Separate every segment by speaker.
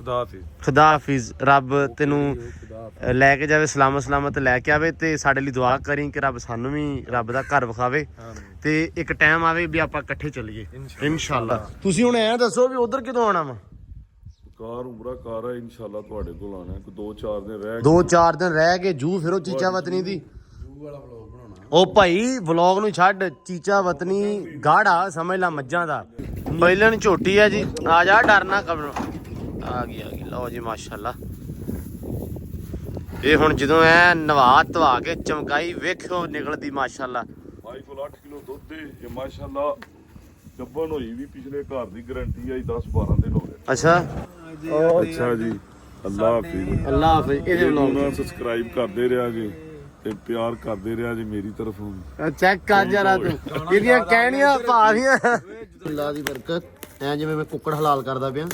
Speaker 1: खुदा हाफिज। रब तेनू लैके जावे सलामत सलामत लैके आवे ते साडे लई दुआ करी कि रब सानू भी रब दा घर विखावे ते एक टाइम आवे भी आपां इकट्ठे चलीए इंशाअल्लाह। तुसीं हुण ऐ दसो भी उधर किदों आना वा?
Speaker 2: ਕਾਰ ਉਮਰਾ ਕਾਰ ਹੈ ਇਨਸ਼ਾਅੱਲਾ ਤੁਹਾਡੇ ਕੋਲ ਆਣਾ ਕੋਈ 2-4 ਦਿਨ ਰਹਿ
Speaker 1: 2-4 ਦਿਨ ਰਹਿ ਕੇ ਜੂ ਫਿਰੋ ਚੀਚਾ ਵਤਨੀ ਦੀ ਉਹ ਭਾਈ ਵਲੌਗ ਨੂੰ ਛੱਡ। ਚੀਚਾ ਵਤਨੀ ਗਾੜਾ ਸਮਝ ਲਾ ਮੱਝਾਂ ਦਾ ਪਹਿਲਣ ਝੋਟੀ ਆ ਜੀ। ਆ ਜਾ ਡਰਨਾ ਕਬਰ ਆ ਗਈ ਲਓ ਜੀ ਮਾਸ਼ਾਅੱਲਾ। ਇਹ ਹੁਣ ਜਦੋਂ ਐ ਨਵਾ ਧਵਾ ਕੇ ਚਮਕਾਈ ਵੇਖਿਓ ਨਿਕਲਦੀ ਮਾਸ਼ਾਅੱਲਾ।
Speaker 2: ਭਾਈ ਕੋਲ 8 ਕਿਲੋ ਦੁੱਧ ਦੇ ਇਹ ਮਾਸ਼ਾਅੱਲਾ ਗੱਬਨ ਹੋਈ ਵੀ ਪਿਛਲੇ ਘਰ ਦੀ ਗਾਰੰਟੀ ਆਈ 10-12 ਦਿਨ ਹੋ ਗਏ।
Speaker 1: ਅੱਛਾ
Speaker 2: ਅੱਛਾ ਜੀ ਅੱਲਾਹ ਹਾਫਿਜ਼।
Speaker 1: ਅੱਲਾਹ ਹਾਫਿਜ਼। ਇਹਦੇ ਵਲੌਗ
Speaker 2: ਨੂੰ ਸਬਸਕ੍ਰਾਈਬ ਕਰਦੇ ਰਿਹਾ ਜੀ ਤੇ ਪਿਆਰ ਕਰਦੇ ਰਿਹਾ ਜੀ ਮੇਰੀ ਤਰਫੋਂ।
Speaker 1: ਚੈੱਕ ਕਰ ਜਰਾ ਤੂੰ ਇਹਦੀਆਂ ਕਹਿਣੀਆਂ ਭਾਰੀਆਂ। ਅੱਲਾਹ ਦੀ ਬਰਕਤ। ਐ ਜਿਵੇਂ ਮੈਂ ਕੁੱਕੜ ਹਲਾਲ ਕਰਦਾ ਪਿਆ।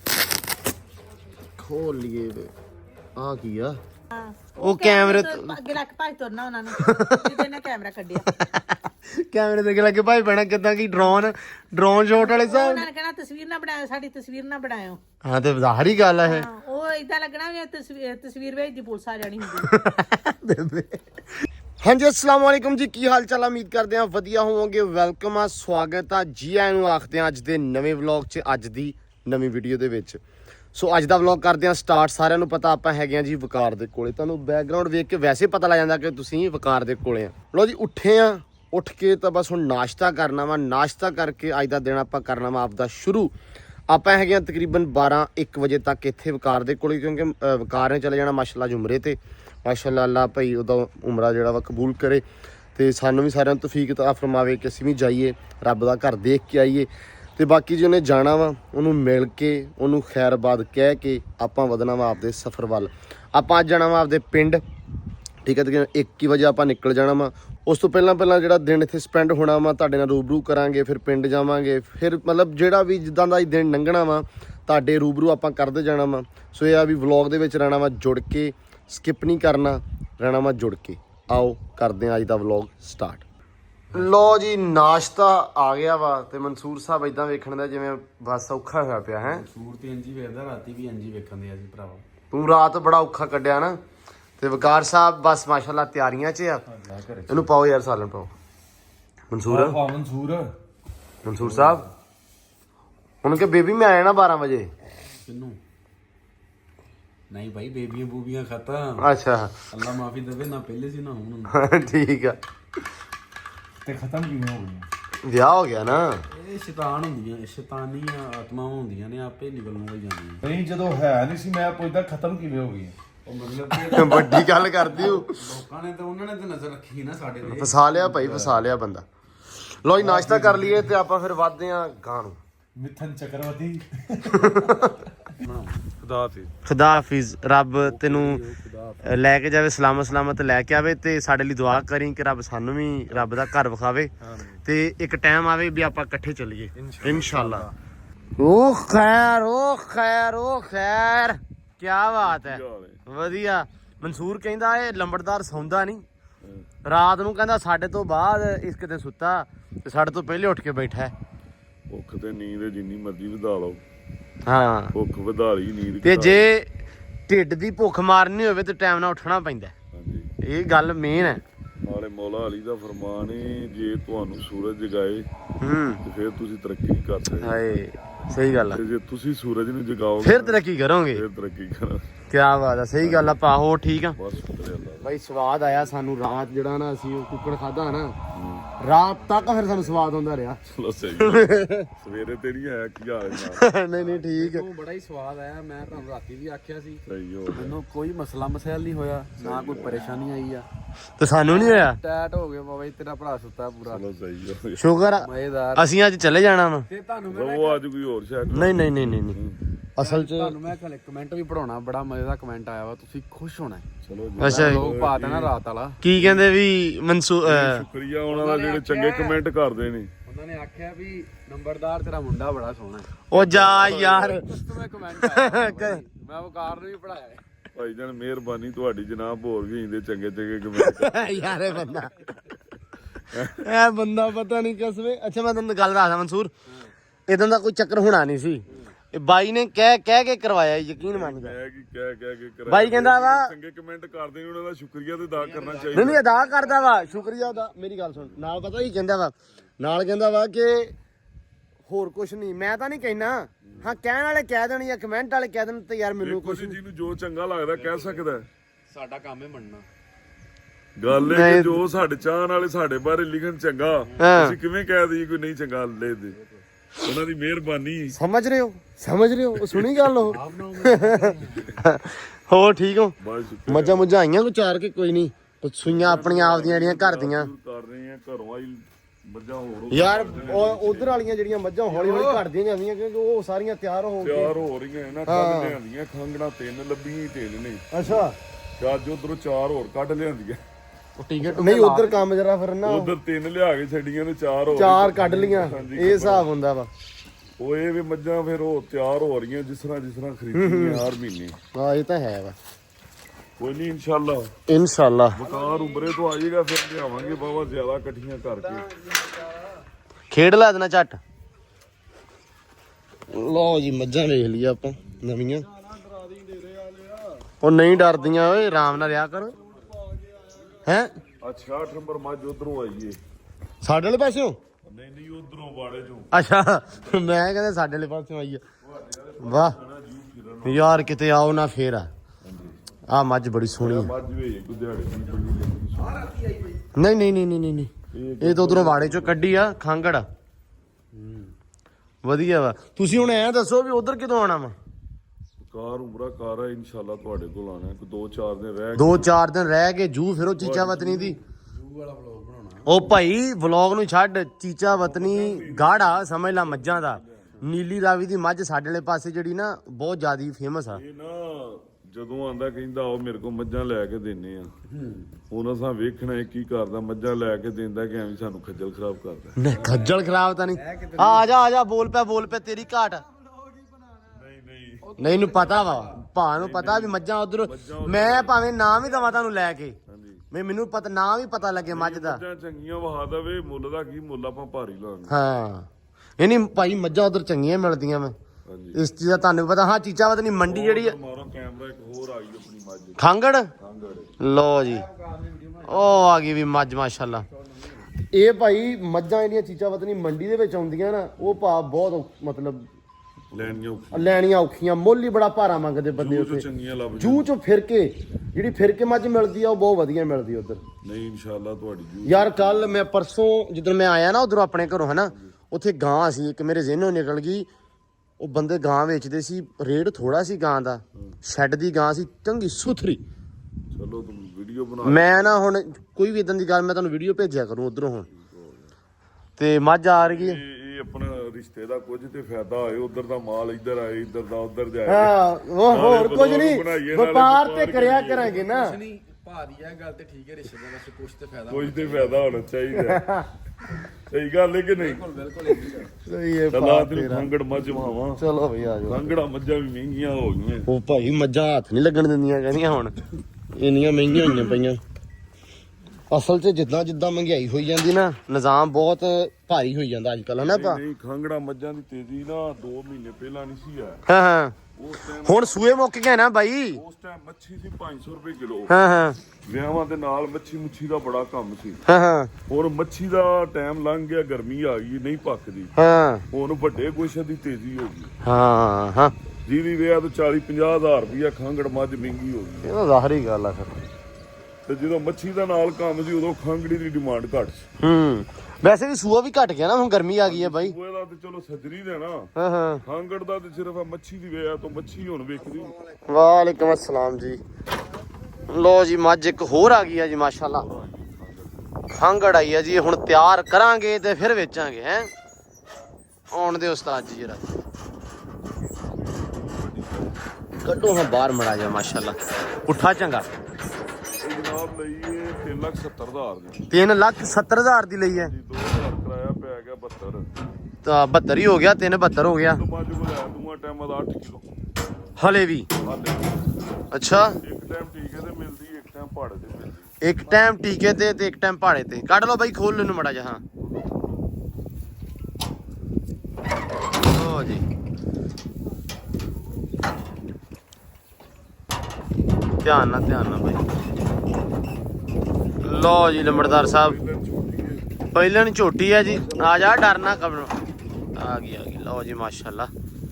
Speaker 1: ਖੋਲ ਲਈਏ ਵੇ ਆ ਕੀ ਆ ਉਹ ਕੈਮਰੇ
Speaker 3: ਅੱਗੇ ਲੱਗ ਭਾਈ ਤੁਰਨਾ ਉਹਨਾਂ ਨੂੰ ਜਿਹਦੇ ਨੇ ਕੈਮਰਾ ਕੱਢਿਆ
Speaker 1: ਕੈਮਰੇ ਦੇ ਅੱਗੇ ਲੱਗੇ ਭਾਈ ਬਣਾ ਕਿਦਾਂ ਕੀ ਡਰੋਨ ਸ਼ਾਟ ਵਾਲੇ ਸਾਹਿਬ
Speaker 3: ਉਹਨਾਂ ਨੇ ਕਹਿਣਾ ਤਸਵੀਰ ਨਾ ਬਣਾਇਓ ਸਾਡੀ ਤਸਵੀਰ ਨਾ ਬਣਾਇਓ।
Speaker 1: ਹਾਂ ਤੇ ਜ਼ਾਹਰੀ ਗੱਲ ਆ ਇਹ।
Speaker 3: ਉਹ ਇਦਾਂ ਲੱਗਣਾ ਵੀ ਤਸਵੀਰ ਵੇਚਦੀ ਪੁਲਿਸ ਆ ਜਾਣੀ ਹੁੰਦੀ।
Speaker 1: ਹਾਂਜੀ अस्सलाम वालेकुम जी की हाल चाल उम्मीद करते हैं वधिया होवोगे। वेलकम आ स्वागत आ जी आਇਆਂ ਨੂੰ ਆਖਦੇ ਆ ਅੱਜ ਦੇ ਨਵੇਂ ਵਲੌਗ 'ਚ ਅੱਜ ਦੀ ਨਵੀਂ ਵੀਡੀਓ ਦੇ ਵਿੱਚ। ਸੋ ਅੱਜ ਦਾ ਵਲੌਗ ਕਰਦੇ ਆ ਸਟਾਰਟ। ਸਾਰਿਆਂ ਨੂੰ ਪਤਾ ਆਪਾਂ ਹੈਗੇ ਆ ਜੀ ਵਕਾਰ ਦੇ ਕੋਲੇ। ਤੁਹਾਨੂੰ ਬੈਕਗ੍ਰਾਉਂਡ ਵੇਖ ਕੇ ਵੈਸੇ ਪਤਾ ਲੱਗ ਜਾਂਦਾ ਕਿ ਤੁਸੀਂ ਵਕਾਰ ਦੇ ਕੋਲੇ ਆ। ਲੋ ਜੀ ਉੱਠੇ ਆ ਉੱਠ ਕੇ ਤਾਂ ਬਸ ਹੁਣ ਨਾਸ਼ਤਾ ਕਰਨਾ ਵਾ। ਨਾਸ਼ਤਾ ਕਰਕੇ ਅੱਜ ਦਾ ਦਿਨ ਆਪਾਂ ਕਰਨਾ ਵਾ ਆਪਦਾ ਸ਼ੁਰੂ। ਆਪਾਂ ਹੈਗੇ ਆ ਤਕਰੀਬਨ 12-1 ਵਜੇ ਤੱਕ ਇੱਥੇ ਵਕਾਰ ਦੇ ਕੋਲੇ ਕਿਉਂਕਿ ਵਕਾਰ ਨੇ ਚਲੇ ਜਾਣਾ ਮਾਸ਼ਾਅੱਲਾ ਜੁਮਰੇ ਤੇ। ਮਾਸ਼ਾਅੱਲਾ ਅੱਲਾ ਭਾਈ ਉਹਦਾ ਉਮਰਾ ਜਿਹੜਾ ਵਾ ਕਬੂਲ ਕਰੇ ਤੇ ਸਾਨੂੰ ਵੀ ਸਾਰਿਆਂ ਨੂੰ ਤੌਫੀਕ ਅਤਾ ਫਰਮਾਵੇ ਕਿ ਅਸੀਂ ਵੀ ਜਾਈਏ ਰੱਬ ਦਾ ਘਰ ਦੇਖ ਕੇ ਆਈਏ। ਤੇ ਬਾਕੀ ਜੀ ਉਹਨੇ ਜਾਣਾ ਵਾ ਉਹਨੂੰ ਮਿਲ ਕੇ ਉਹਨੂੰ ਖੈਰਬਾਦ ਕਹਿ ਕੇ ਆਪਾਂ ਵਧਣਾ ਵਾ ਆਪਦੇ ਸਫ਼ਰ ਵੱਲ। ਆਪਾਂ ਅੱਜ ਜਾਣਾ ਵਾ ਆਪਦੇ ਪਿੰਡ ਠੀਕ ਹੈ। ਤਕਰੀਬਨ 1 ਵਜੇ ਆਪਾਂ ਨਿਕਲ ਜਾਣਾ ਵਾ। ਉਸ ਤੋਂ ਪਹਿਲਾਂ ਜਿਹੜਾ ਦਿਨ ਇੱਥੇ ਸਪੈਂਡ ਹੋਣਾ ਵਾ ਤੁਹਾਡੇ ਨਾਲ ਰੂਬਰੂ ਕਰਾਂਗੇ। ਫਿਰ ਪਿੰਡ ਜਾਵਾਂਗੇ। ਫਿਰ ਮਤਲਬ ਜਿਹੜਾ ਵੀ ਜਿੱਦਾਂ ਦਾ ਦਿਨ ਲੰਘਣਾ ਵਾ ਤੁਹਾਡੇ ਰੂਬਰੂ ਆਪਾਂ ਕਰਦੇ ਜਾਣਾ ਵਾ। ਸੋ ਇਹ ਆ ਵੀ ਵਲੌਗ ਦੇ ਵਿੱਚ ਰਹਿਣਾ ਵਾ ਜੁੜ ਕੇ। ਸਕਿਪ ਨਹੀਂ ਕਰਨਾ ਰਹਿਣਾ ਵਾ ਜੁੜ ਕੇ। ਆਓ ਕਰਦੇ ਹਾਂ ਅੱਜ ਦਾ ਵਲੌਗ ਸਟਾਰਟ। ਲੋ ਜੀ ਨਾਸ਼ਤਾ ਆ ਗਿਆ ਵਾ ਤੇ ਮਨਸੂਰ ਸਾਹਿਬ ਇਦਾਂ ਵੇਖਣ ਦਾ ਜਿਵੇਂ ਬਸ ਔਖਾ ਹੋਇਆ ਪਿਆ ਹੈ।
Speaker 4: ਮਨਸੂਰ ਤੇ ਇੰਜੀ ਵੇਖਦਾ ਰਾਤੀ ਵੀ ਇੰਜੀ ਵੇਖਣ ਦੇ ਆ ਜੀ ਭਰਾਵਾ।
Speaker 1: ਤੂੰ ਰਾਤ ਬੜਾ ਔਖਾ ਕੱਢਿਆ ਨਾ। ਤੇ ਵਕਾਰ ਸਾਹਿਬ ਬਸ ਮਾਸ਼ਾਅੱਲਾ ਤਿਆਰੀਆਂ 'ਚ ਆ। ਇਹਨੂੰ ਪਾਓ ਯਾਰ ਸਾਲਨ ਪਾਓ। ਮਨਸੂਰ ਸਾਹਿਬ ਹੁਣ ਕਿ ਬੇਬੀ ਮੈਂ ਆਇਆ ਨਾ 12 ਵਜੇ।
Speaker 4: ਕਿੰਨੂੰ ਨਹੀਂ ਭਾਈ ਬੇਬੀਆਂ ਬੂਬੀਆਂ ਖਤਮ।
Speaker 1: ਅੱਛਾ
Speaker 4: ਅੱਲਾ ਮਾਫੀ ਦੇਵੇ ਨਾ ਪਹਿਲੇ ਸੀ ਨਾ ਹੁਣ।
Speaker 1: ਠੀਕ ਆ
Speaker 4: ਤੇ ਖਤਮ ਕਿਵੇਂ ਹੋ ਗਈਆਂ?
Speaker 1: ਵਿਆਹ ਹੋ ਗਿਆ ਨਾ।
Speaker 4: ਇਹ ਸ਼ੈਤਾਨ ਹੁੰਦੀਆਂ ਸ਼ੈਤਾਨੀਆਂ ਆਤਮਾਵਾਂ ਹੁੰਦੀਆਂ ਨੇ ਆਪੇ ਨਿਕਲ ਨੂੰ ਹੀ ਜਾਂਦੀਆਂ।
Speaker 5: ਨਹੀਂ ਜਦੋਂ ਹੈ ਨਹੀਂ ਸੀ ਮੈਂ ਪੁੱਛਦਾ ਖਤਮ ਕਿਵੇਂ ਹੋ ਗਈ।
Speaker 4: ਉਹ ਮਤਲਬ
Speaker 1: ਵੱਡੀ ਗੱਲ ਕਰਦੀ ਉਹ
Speaker 4: ਲੋਕਾਂ ਨੇ ਤਾਂ ਉਹਨਾਂ ਨੇ ਤਾਂ ਨਜ਼ਰ ਰੱਖੀ ਨਾ ਸਾਡੇ ਤੇ।
Speaker 1: ਫਸਾ ਲਿਆ ਭਾਈ ਫਸਾ ਲਿਆ ਬੰਦਾ। ਲੋ ਜੀ ਨਾਸ਼ਤਾ ਕਰ ਲਈਏ ਤੇ ਆਪਾਂ ਫਿਰ ਵੱਧਦੇ ਆਂ ਗਾਂ ਨੂੰ।
Speaker 5: ਮਿਥਨ ਚੱਕਰਵਤੀ
Speaker 1: खुदा हाफिज। रब तेनू लैके जावे सलामत सलामत लैके आवे ते साडे लई दुआ करी कि रब सानू भी रब दा घर विखावे ते एक टाइम आवे भी आपां इकट्ठे चलीए इंशाअल्लाह। ओ खैर क्या बात है वधिया। मनसूर कहंदा ए लंबड़दार सौंदा नहीं रात नूं कहंदा साडे तो बाद इस किते सुत्ता ते साडे तो पहले उठ के बैठा है।
Speaker 2: ਭੁੱਖ ਤੇ ਨੀਂਦ ਜਿੰਨੀ ਮਰਜ਼ੀ ਵਧਾ ਲਓ।
Speaker 1: ਹਾਂ
Speaker 2: ਭੁੱਖ ਵਧਾ ਲਈ ਨੀਂਦ
Speaker 1: ਤੇ ਜੇ ਢਿੱਡ ਦੀ ਭੁੱਖ ਮਾਰਨੀ ਹੋਵੇ ਤੇ ਟਾਈਮ ਨਾਲ ਉੱਠਣਾ ਪੈਂਦਾ।
Speaker 2: ਹਾਂਜੀ
Speaker 1: ਇਹ ਗੱਲ ਮੇਨ ਹੈ।
Speaker 2: ਨਾਲੇ ਮੌਲਾ ਅਲੀ ਦਾ ਫਰਮਾਨ ਹੈ ਜੇ ਤੁਹਾਨੂੰ ਸੂਰਜ ਜਗਾਏ
Speaker 1: ਹੂੰ
Speaker 2: ਤੇ ਫਿਰ ਤੁਸੀਂ ਤਰੱਕੀ ਨਹੀਂ ਕਰ ਸਕਦੇ।
Speaker 1: ਹਾਏ ਸਹੀ ਗੱਲ ਆ।
Speaker 2: ਤੇ ਜੇ ਤੁਸੀਂ ਸੂਰਜ ਨੂੰ ਜਗਾਓਗੇ
Speaker 1: ਫਿਰ ਤਰੱਕੀ ਕਰੋਗੇ।
Speaker 2: ਫਿਰ ਤਰੱਕੀ ਕਰਾਂਗੇ।
Speaker 1: ਕੀ ਬਾਤ ਆ ਸਹੀ ਗੱਲ ਆ ਪਾਹੋ ਠੀਕ ਆ।
Speaker 2: ਬਸ ਸ਼ੁਕਰ ਅੱਲਾ
Speaker 1: ਬਾਈ ਸਵਾਦ ਆਇਆ ਸਾਨੂੰ ਰਾਤ ਜਿਹੜਾ ਨਾ ਅਸੀਂ ਉਹ ਕੁੱਕੜ ਖਾਦਾ ਨਾ ਰਾਤ ਤੱਕ ਫਿਰ ਸਾਨੂੰ ਸਵਾਦ ਆਉਂਦਾ ਰਿਹਾ।
Speaker 2: ਚਲੋ ਸਹੀ ਸਵੇਰੇ ਤੇ ਨਹੀਂ ਆਇਆ ਕੀ ਹਾਲ ਹੈ।
Speaker 1: ਨਹੀਂ ਠੀਕ
Speaker 4: ਮੈਨੂੰ ਬੜਾ ਹੀ ਸਵਾਦ ਆਇਆ। ਮੈਂ ਤੁਹਾਨੂੰ ਰਾਤੀ ਵੀ ਆਖਿਆ ਸੀ
Speaker 2: ਸਹੀ ਹੋ ਗਿਆ।
Speaker 4: ਮੈਨੂੰ ਕੋਈ ਮਸਲਾ ਮਸੈਲ ਨਹੀਂ ਹੋਇਆ ਨਾ ਕੋਈ ਪਰੇਸ਼ਾਨੀ ਆਈ ਆ।
Speaker 1: ਤੇ ਸਾਨੂੰ ਨਹੀਂ ਹੋਇਆ।
Speaker 4: ਟੈਟ ਹੋ ਗਿਆ ਬਾਬਾ ਜੀ ਤੇਰਾ ਭਰਾ ਸੁੱਤਾ ਪੂਰਾ
Speaker 2: ਚਲੋ ਸਹੀ ਹੋ ਗਿਆ।
Speaker 1: ਸ਼ੁਕਰ ਆ
Speaker 4: ਮਜ਼ੇਦਾਰ।
Speaker 1: ਅਸੀਂ ਅੱਜ ਚਲੇ ਜਾਣਾ ਵਾ।
Speaker 4: ਤੇ ਤੁਹਾਨੂੰ ਮੈਂ
Speaker 2: ਉਹ ਅੱਜ ਕੋਈ ਹੋਰ ਸ਼ਾਇਦ
Speaker 1: ਨਹੀਂ ਅਸਲ 'ਚ
Speaker 4: ਤੁਹਾਨੂੰ ਮੈਂ ਕੱਲ ਕਮੈਂਟ ਵੀ ਪੜਾਉਣਾ ਬੜਾ ਮਜ਼ੇ ਦਾ ਕਮੈਂਟ ਆਇਆ ਵਾ। ਤੁਸੀਂ ਖੁਸ਼ ਹੋਣਾ।
Speaker 2: ਚਲੋ
Speaker 1: ਅੱਛਾ
Speaker 4: ਲੋਕ ਪਾ ਦੇਣਾ ਰਾਤ ਵਾਲਾ।
Speaker 1: ਕੀ ਕਹਿੰਦੇ ਵੀ ਮਨਸੂਰ
Speaker 2: ਸ਼ੁਕਰੀਆ ਉਹਨਾਂ ਦਾ ਜਿਹੜੇ ਚੰਗੇ ਕਮੈਂਟ ਕਰਦੇ ਨੇ।
Speaker 4: ਉਹਨਾਂ ਨੇ ਆਖਿਆ ਵੀ ਨੰਬਰਦਾਰ ਤੇਰਾ ਮੁੰਡਾ ਬੜਾ ਸੋਹਣਾ ਹੈ।
Speaker 1: ਉਹ ਜਾ ਯਾਰ
Speaker 4: ਮੈਂ ਕਮੈਂਟ ਆਇਆ ਮੈਂ ਉਹ ਕਾਰ ਨੂੰ ਵੀ ਪੜਾਇਆ।
Speaker 2: ਭਾਈ ਜਾਨ ਮਿਹਰਬਾਨੀ ਤੁਹਾਡੀ ਜਨਾਬ ਹੋਰ ਵੀ ਇੰਦੇ ਚੰਗੇ ਕਮੈਂਟ।
Speaker 1: ਯਾਰ ਇਹ ਬੰਦਾ ਪਤਾ ਨਹੀਂ ਕਿਸ ਵੇ। ਅੱਛਾ ਮੈਂ ਤੁਹਾਨੂੰ ਗੱਲ ਦੱਸਦਾ ਮਨਸੂਰ ਇਦਾਂ ਦਾ ਕੋਈ ਚੱਕਰ ਹੋਣਾ ਨਹੀਂ ਸੀ। ਇਹ ਬਾਈ ਨੇ ਕਹਿ ਕੇ ਕਰਵਾਇਆ, ਯਕੀਨ ਮੰਨ ਜਾ।
Speaker 2: ਕਹਿ ਕੇ ਕਰਾਇਆ।
Speaker 1: ਬਾਈ ਕਹਿੰਦਾ ਵਾ
Speaker 2: ਚੰਗੇ ਕਮੈਂਟ ਕਰਦੇ ਨੇ ਉਹਨਾਂ ਦਾ ਸ਼ੁਕਰੀਆ ਤੇ ਅਦਾ ਕਰਨਾ
Speaker 1: ਨਹੀਂ
Speaker 2: ਚਾਹੀਦਾ।
Speaker 1: ਨਹੀਂ ਅਦਾ ਕਰਦਾ ਵਾ, ਸ਼ੁਕਰੀਆ ਦਾ। ਮੇਰੀ ਗੱਲ ਸੁਣ, ਨਾਲ ਪਤਾ ਕੀ ਕਹਿੰਦਾ ਵਾ, ਨਾਲ ਕਹਿੰਦਾ ਵਾ ਕਿ ਹੋਰ ਕੁਛ ਨਹੀਂ, ਮੈਂ ਤਾਂ ਨਹੀਂ ਕਹਿਣਾ, ਹਾਂ ਕਹਿਣ ਵਾਲੇ ਕਹਿ ਦੇਣ ਜਾਂ ਕਮੈਂਟ ਵਾਲੇ ਕਹਿ ਦੇਣ ਤੇ ਯਾਰ ਮੈਨੂੰ
Speaker 2: ਕੁਝ ਜਿਹਨੂੰ ਜੋ ਚੰਗਾ ਲੱਗਦਾ ਕਹਿ ਸਕਦਾ ਹੈ।
Speaker 4: ਸਾਡਾ ਕੰਮ ਹੈ ਮੰਨਣਾ।
Speaker 2: ਗੱਲ ਇਹ ਕਿ ਜੋ ਸਾਡੇ ਚਾਹਣ ਵਾਲੇ ਸਾਡੇ ਬਾਰੇ ਲਿਖਣ ਚੰਗਾ, ਅਸੀਂ ਕਿਵੇਂ ਕਹਿ ਦਈਏ ਕੋਈ ਨਹੀਂ ਚੰਗਾ ਲੈ ਦੇ, ਉਹਨਾਂ ਦੀ ਮਿਹਰਬਾਨੀ।
Speaker 1: ਸਮਝ ਰਹੇ ਹੋ ਉਹ ਸੁਣੀ ਗੱਲ ਉਹ। ਹੋਰ ਠੀਕ ਹੋ?
Speaker 2: ਬਸ
Speaker 1: ਮੱਝਾਂ ਮੁੱਝਾਂ ਆਈਆਂ ਕੋਈ ਚਾਰ ਕੇ ਕੋਈ ਨਹੀਂ, ਕੁਝ ਸੂਈਆਂ ਆਪਣੀਆਂ ਆਪਦੀਆਂ ਜਿਹੜੀਆਂ ਘਰ ਦੀਆਂ
Speaker 2: ਕਰ ਰਹੇ ਆ, ਘਰੋਂ ਆਈ ਮੱਝਾਂ ਹੋਰ
Speaker 1: ਯਾਰ। ਉਧਰ ਵਾਲੀਆਂ ਜਿਹੜੀਆਂ ਮੱਝਾਂ ਹੌਲੀ ਹੌਲੀ ਘਟਦੀਆਂ ਜਾਂਦੀਆਂ ਕਿਉਂਕਿ ਉਹ ਸਾਰੀਆਂ ਤਿਆਰ ਹੋ ਕੇ
Speaker 2: ਤਿਆਰ ਹੋ ਰਹੀਆਂ ਇਹਨਾਂ ਕੱਢ ਲਿਆਂਦੀਆਂ। ਖੰਗਣਾ 3 ਲੱਭੀਆਂ ਹੀ 3 ਨੇ।
Speaker 1: ਅੱਛਾ
Speaker 2: ਤੇ ਅੱਜ ਉਧਰੋਂ 4 ਹੋਰ ਕੱਢ ਲਿਆਂਦੀਆਂ।
Speaker 1: ਨਹੀਂ ਉਧਰ ਕੰਮ ਜਰਾ ਫਿਰ ਨਾ
Speaker 2: ਉਧਰ 3 ਲਿਆ ਕੇ ਛੱਡੀਆਂ ਤੇ 4 ਹੋਰ
Speaker 1: 4 ਕੱਢ ਲੀਆਂ, ਇਹ ਹਿਸਾਬ ਹੁੰਦਾ ਵਾ।
Speaker 2: ਉਹ ਇਹ ਵੀ ਮੱਝਾਂ ਫਿਰ ਉਹ ਤਿਆਰ ਹੋ ਰਹੀਆਂ ਜਿਸ ਤਰ੍ਹਾਂ ਖਰੀਦੀਆਂ ਹਰ ਮਹੀਨੇ।
Speaker 1: ਹਾਂ ਇਹ ਤਾਂ ਹੈ ਵਾ।
Speaker 2: ਕੋਈ ਨਹੀਂ ਇਨਸ਼ਾਅੱਲਾ
Speaker 1: ਇਨਸ਼ਾਅੱਲਾ
Speaker 2: ਬਕਾਰ ਉਬਰੇ ਤੋਂ ਆਏਗਾ ਫਿਰ ਲਿਆਵਾਂਗੇ ਬਾਬਾ ਜ਼ਿਆਦਾ ਇਕੱਠੀਆਂ ਕਰਕੇ।
Speaker 1: ਖੇਡ ਲਾ ਦੇਣਾ ਝੱਟ। ਲਓ ਜੀ ਮੱਝਾਂ ਵੇਖ ਲਈ ਆਪਾਂ ਨਵੀਆਂ। ਉਹ ਨਹੀਂ ਡਰਦੀਆਂ ਓਏ, ਆਰਾਮ ਨਾਲ ਰਿਹਾ ਕਰ। ਹੈ
Speaker 2: ਅੱਛਾ 68 ਨੰਬਰ ਮੱਝ ਉਧਰੋਂ ਆਈਏ।
Speaker 1: ਸਾਡੇ ਵਾਲੇ ਪਾਸਿਓਂ?
Speaker 2: ਨਹੀਂ ਉਧਰੋਂ ਬਾੜੇ ਚੋਂ।
Speaker 1: ਅੱਛਾ ਮੈਂ ਕਹਿੰਦਾ ਸਾਡੇ ਵਾਲੇ ਪਾਸਿਓਂ ਆਈ ਆ। ਵਾਹ ਯਾਰ ਕਿਤੇ ਆਓ ਨਾ ਫੇਰ ਆ ਮੱਝ ਬੜੀ ਸੋਹਣੀ ਆ।
Speaker 2: ਮੱਝ ਵੇ ਕੋ ਦਿਹਾੜੇ ਦੀ
Speaker 1: ਨਹੀਂ ਇਹ ਤਾਂ ਉਧਰੋਂ ਵਾੜੇ ਚੋਂ ਕੱਢੀ ਆ ਖਾਂਗੜ। ਵਧੀਆ ਵਾ। ਤੁਸੀਂ ਹੁਣ ਐ ਦੱਸੋ ਵੀ ਉਧਰ ਕਿਦੋਂ ਆਉਣਾ ਵਾ?
Speaker 2: ਕਾਰ ਉਮਰਾ ਕਾਰ ਹੈ ਇਨਸ਼ਾਅੱਲਾ ਤੁਹਾਡੇ ਕੋਲ ਆਣਾ। ਕੋਈ 2-4 ਦਿਨ ਰਹਿ
Speaker 1: 2-4 ਦਿਨ ਰਹਿ ਕੇ ਜੂ ਫਿਰੋ ਚੀਚਾ ਵਤਨੀ ਦੀ।
Speaker 4: ਜੂ ਵਾਲਾ ਵਲੌਗ ਬਣਾਉਣਾ।
Speaker 1: ਉਹ ਭਾਈ ਵਲੌਗ ਨੂੰ ਛੱਡ, ਚੀਚਾ ਵਤਨੀ ਗਾੜਾ ਸਮਝ ਲਾ ਮੱਝਾਂ ਦਾ। ਨੀਲੀ ਰਾਵੀ ਦੀ ਮੱਝ ਸਾਡੇ ਵਾਲੇ ਪਾਸੇ ਜਿਹੜੀ ਨਾ ਬਹੁਤ ਜ਼ਿਆਦਾ ਫੇਮਸ ਆ।
Speaker 2: ਇਹ ਨਾ ਜਦੋਂ ਆਂਦਾ ਕਹਿੰਦਾ ਉਹ ਮੇਰੇ ਕੋਲ ਮੱਝਾਂ ਲੈ ਕੇ ਦੇਣੇ ਆ, ਹੁਣ ਅਸਾਂ ਵੇਖਣਾ ਇਹ ਕੀ ਕਰਦਾ। ਮੱਝਾਂ ਲੈ ਕੇ ਦਿੰਦਾ ਕਿ ਐਵੇਂ ਸਾਨੂੰ ਖੱਜਲ ਖਰਾਬ ਕਰਦਾ।
Speaker 1: ਨਹੀਂ ਖੱਜਲ ਖਰਾਬ ਤਾਂ ਨਹੀਂ। ਆ ਜਾ ਬੋਲ ਪਿਆ ਤੇਰੀ ਘਾਟ। ਨਹੀਂ ਨੂੰ ਪਤਾ ਵਾ, ਭਾ ਨੂੰ ਪਤਾ ਵੀ ਮੱਝਾਂ ਉਧਰ। ਮੈਂ ਭਾਵੇਂ ਨਾਮ ਵੀ ਦਵਾਂ ਤੁਹਾਨੂੰ ਲੈ ਕੇ, ਮੈਨੂੰ ਪਤਾ ਨਾਮ ਵੀ ਪਤਾ ਲੱਗੇ ਮੱਝ ਦਾ।
Speaker 2: ਮੱਝਾਂ ਚੰਗੀਆਂ ਵਹਾ ਦਵੇ, ਮੁੱਲ ਦਾ ਕੀ ਮੁੱਲ ਆਪਾਂ ਭਾਰੀ ਲਾਂਗੇ।
Speaker 1: ਹਾਂ ਨਹੀਂ ਭਾਈ ਮੱਝਾਂ ਉਧਰ ਚੰਗੀਆਂ ਮਿਲਦੀਆਂ ਵਾ
Speaker 2: ਹਾਂਜੀ
Speaker 1: ਇਸ ਚੀਜ਼ ਦਾ ਤੁਹਾਨੂੰ ਪਤਾ। ਹਾਂ ਚੀਚਾ ਵਤਨੀ ਮੰਡੀ ਜਿਹੜੀ ਆ
Speaker 2: ਮਾਰੋ ਕੈਮਰਾ ਇੱਕ ਹੋਰ ਆ ਗਈ ਆਪਣੀ ਮੱਝ
Speaker 1: ਖਾਂਗੜ।
Speaker 2: ਖਾਂਗੜ।
Speaker 1: ਲੋ ਜੀ ਉਹ ਆ ਗਈ ਵੀ ਮੱਝ ਮਾਸ਼ਾਅੱਲਾ। ਇਹ ਭਾਈ ਮੱਝਾਂ ਜਿਹੜੀਆਂ ਚੀਚਾ ਵਤਨੀ ਮੰਡੀ ਦੇ ਵਿੱਚ ਆਉਂਦੀਆਂ ਨਾ, ਉਹ ਭਾਅ ਬਹੁਤ ਮਤਲਬ ਲੈਣੀਆਂ ਔਖੀਆਂ, ਮੁੱਲ ਹੀ ਬੜਾ ਭਾਰਾ ਮੰਗਦੇ ਬੰਦੇ ਉੱਥੇ।
Speaker 2: ਚੰਗੀਆਂ ਲੱਭ
Speaker 1: ਜੂ ਚੋਂ ਫਿਰ ਕੇ ਜਿਹੜੀ ਮੱਝ ਮਿਲਦੀ ਆ ਉਹ ਬਹੁਤ ਵਧੀਆ ਮਿਲਦੀ ਉਧਰ।
Speaker 2: ਨਹੀਂ ਇਨਸ਼ਾਅੱਲਾ ਤੁਹਾਡੀ ਜੂ।
Speaker 1: ਯਾਰ ਕੱਲ ਮੈਂ ਪਰਸੋਂ ਜਦੋਂ ਮੈਂ ਆਇਆ ਨਾ ਉਧਰੋਂ ਆਪਣੇ ਘਰੋਂ ਹਨਾ, ਉੱਥੇ ਗਾਂ ਸੀ ਇੱਕ ਮੇਰੇ ਜ਼ਿਹਨੋਂ ਨਿਕਲ ਗਈ। ਉਹ ਬੰਦੇ ਗਾਂ ਵੇਚਦੇ ਸੀ, ਰੇਟ ਥੋੜਾ ਸੀ ਗਾਂ ਦਾ, ਸ਼ੈੱਡ ਦੀ ਗਾਂ ਸੀ, ਚੰਗੀ ਸੁਥਰੀ।
Speaker 2: ਚਲੋ ਤੁਮ ਵੀਡੀਓ ਬਣਾ।
Speaker 1: ਮੈਂ ਨਾ ਹੁਣ ਕੋਈ ਵੀ ਇਦਾਂ ਦੀ ਗੱਲ ਮੈਂ ਤੁਹਾਨੂੰ ਵੀਡੀਓ ਭੇਜਿਆ ਕਰੂੰ ਉਧਰੋਂ ਹੁਣ। ਤੇ ਮੱਝ ਆ ਰਹੀ ਹੈ।
Speaker 2: ਇਹ ਆਪਣਾ ਰਿਸ਼ਤੇ ਦਾ ਕੁਝ ਤੇ ਫਾਇਦਾ ਹੋਏ, ਉਧਰ ਦਾ ਮਾਲ ਇੱਧਰ ਆਏ, ਇੱਧਰ ਦਾ ਉਧਰ ਜਾਏ।
Speaker 1: ਹਾਂ ਉਹ ਹੋਰ ਕੁਝ ਨਹੀਂ, ਵਪਾਰ ਤੇ ਕਰਿਆ ਕਰਾਂਗੇ ਨਾ।
Speaker 4: ਨਹੀਂ ਭਾਰੀ ਆ ਗੱਲ ਤੇ ਠੀਕ ਹੈ, ਰਿਸ਼ਤੇ ਦਾ ਵੈਸੇ ਕੁਛ ਤੇ ਫਾਇਦਾ
Speaker 2: ਕੁਝ ਤੇ ਫਾਇਦਾ ਹੋਣਾ ਚਾਹੀਦਾ। ਸਹੀ ਗੱਲ ਹੈ ਕਿ ਨਹੀਂ?
Speaker 4: ਬਿਲਕੁਲ
Speaker 1: ਸਹੀ ਹੈ
Speaker 2: ਅੱਲਾਹ ਤੈਨੂੰ ਖੰਗੜ ਮੱਝ ਵਾਵਾਂ।
Speaker 1: ਚਲੋ ਭਈ ਆ ਜਾਓ।
Speaker 2: ਖੰਗੜਾ ਮੱਝਾਂ ਵੀ ਮਹਿੰਗੀਆਂ ਹੋ ਗਈਆਂ।
Speaker 1: ਉਹ ਭਾਈ ਮੱਝਾਂ ਹੱਥ ਨਹੀਂ ਲੱਗਣ ਦਿੰਦੀਆਂ ਕਹਿੰਦੀਆਂ ਹੁਣ, ਇੰਨੀਆਂ ਮਹਿੰਗੀਆਂ ਹੋਈਆਂ ਪਈਆਂ। ਅਸਲ 'ਚ ਜਿੱਦਾਂ ਮਹਿੰਗਾਈ ਹੋਈ ਜਾਂਦੀ ਨਾ, ਨਿਜ਼ਾਮ ਬਹੁਤ ਭਾਰੀ ਹੋਈ ਜਾਂਦਾ ਅੱਜ ਕੱਲ ਹਨਾ ਭਾ।
Speaker 2: ਨਹੀਂ ਖੰਗੜਾ ਮੱਝਾਂ ਦੀ ਤੇਜ਼ੀ ਨਾ 2 ਮਹੀਨੇ ਪਹਿਲਾਂ ਨਹੀਂ ਸੀ ਆ।
Speaker 1: ਹਾਂ
Speaker 2: ਉਸ ਟਾਈਮ
Speaker 1: ਹੁਣ ਸੂਏ ਮੁੱਕ ਗਏ ਨਾ ਬਾਈ।
Speaker 2: ਮੱਛੀ ਸੀ 500 ਰੁਪਏ ਕਿਲੋ।
Speaker 1: ਹਾਂ
Speaker 2: ਵਿਆਹਾਂ ਦੇ ਨਾਲ ਮੱਛੀ ਦਾ ਬੜਾ ਕੰਮ ਸੀ।
Speaker 1: ਹਾਂ
Speaker 2: ਹੁਣ ਮੱਛੀ ਦਾ ਟਾਈਮ ਲੰਘ ਗਿਆ, ਗਰਮੀ ਆ ਗਈ, ਨਹੀਂ ਪੱਕਦੀ।
Speaker 1: ਹਾਂ
Speaker 2: ਹੁਣ ਵੱਡੇ ਕੁਛ ਦੀ ਤੇਜ਼ੀ ਹੋ ਗਈ।
Speaker 1: ਹਾਂ
Speaker 2: ਜਿਹਦੀ ਵਿਆਹ ਤੋਂ 40-50 ਹਜ਼ਾਰ ਰੁਪਇਆ ਖੰਗੜ ਮੱਝ ਮਹਿੰਗੀ ਹੋ ਗਈ।
Speaker 1: ਇਹ ਤਾਂ ਜ਼ਾਹਰੀ ਗੱਲ ਆ ਫਿਰ।
Speaker 2: ਤੇ ਜਦੋਂ ਮੱਛੀ ਦਾ ਨਾਲ ਕੰਮ ਸੀ ਉਦੋਂ ਖੰਗੜੀ ਦੀ ਡਿਮਾਂਡ ਘੱਟ ਸੀ।
Speaker 1: ਵੈਸੇ ਵੀ ਸੂਆ ਵੀ ਘਟ ਗਿਆ ਨਾ, ਹੁਣ ਗਰਮੀ ਆ ਗਈ ਹੈ ਬਾਈ।
Speaker 2: ਸੂਏ ਦਾ ਤੇ ਚਲੋ ਸੱਜਰੀ ਦੇਣਾ।
Speaker 1: ਹਾਂ
Speaker 2: ਖੰਗੜ ਦਾ ਤੇ ਸਿਰਫ ਮੱਛੀ ਦੀ ਵਿਆਹ ਤੋਂ ਮੱਛੀ ਹੁਣ ਵਿਕਦੀ।
Speaker 1: ਵਾਲੇਕੁਮ ਅਸਲਾਮ ਜੀ। ਲੋ ਜੀ ਮੱਝ ਇੱਕ ਹੋਰ ਆ ਗਈ ਆ ਜੀ ਮਾਸ਼ਾਅੱਲਾ। ਖੰਗੜ ਆਈ ਆ ਜੀ, ਹੁਣ ਤਿਆਰ ਕਰਾਂਗੇ ਤੇ ਫਿਰ ਵੇਚਾਂਗੇ। ਹੈ ਆਉਣ ਦੇ ਉਸਤਾਦ ਜੀ ਜਰਾ ਕੱਢੋ ਹਾਂ ਬਾਹਰ ਮੜਾ ਜਾ ਮਾਸ਼ਾਅੱਲਾ। ਪੁੱਠਾ ਚੰਗਾ
Speaker 2: ਜਨਾਬ ਲਈ ਇਹ 3,70,000 ਦੀ।
Speaker 1: 3,70,000 ਦੀ ਲਈ ਹੈ।
Speaker 2: 2000 ਕਿਰਾਇਆ ਪੈ ਗਿਆ 72।
Speaker 1: ਤਾਂ 72 ਹੀ ਹੋ ਗਿਆ, 3,72 ਹੋ ਗਿਆ।
Speaker 2: ਮੱਝ ਕੋਲ ਲੈ ਦੂੰਗਾ ਟਾਈਮ ਦਾ 8 ਕਿਲੋ
Speaker 1: ਹਲੇ ਵੀ। ਅੱਛਾ
Speaker 2: ਇੱਕ ਟਾਈਮ ਟੀਕੇ ਤੇ ਮਿਲਦੀ, ਇੱਕ ਟਾਈਮ ਪਹਾੜੇ ਤੇ ਮਿਲਦੀ।
Speaker 1: ਇੱਕ ਟਾਈਮ ਟੀਕੇ ਤੇ ਇੱਕ ਟਾਈਮ ਪਹਾੜੇ ਤੇ। ਕੱਢ ਲਓ ਬਾਈ, ਖੋਲ ਲੈਨੂੰ ਮੜਾ ਜਾ। ਹਾਂ ਲੋ ਜੀ ਧਿਆਨ ਨਾਲ ਬਾਈ। ਲਓ ਜੀ ਲੰਬੜਦਾਰ ਸਾਹਿਬ ਪਹਿਲਾਂ ਝੋਟੀ ਹੈ ਜੀ। ਆ ਜਾ ਡਰਨਾ ਕਬਰ ਆ ਗਈ ਲਓ ਜੀ ਮਾਸ਼ਾਅੱਲਾ।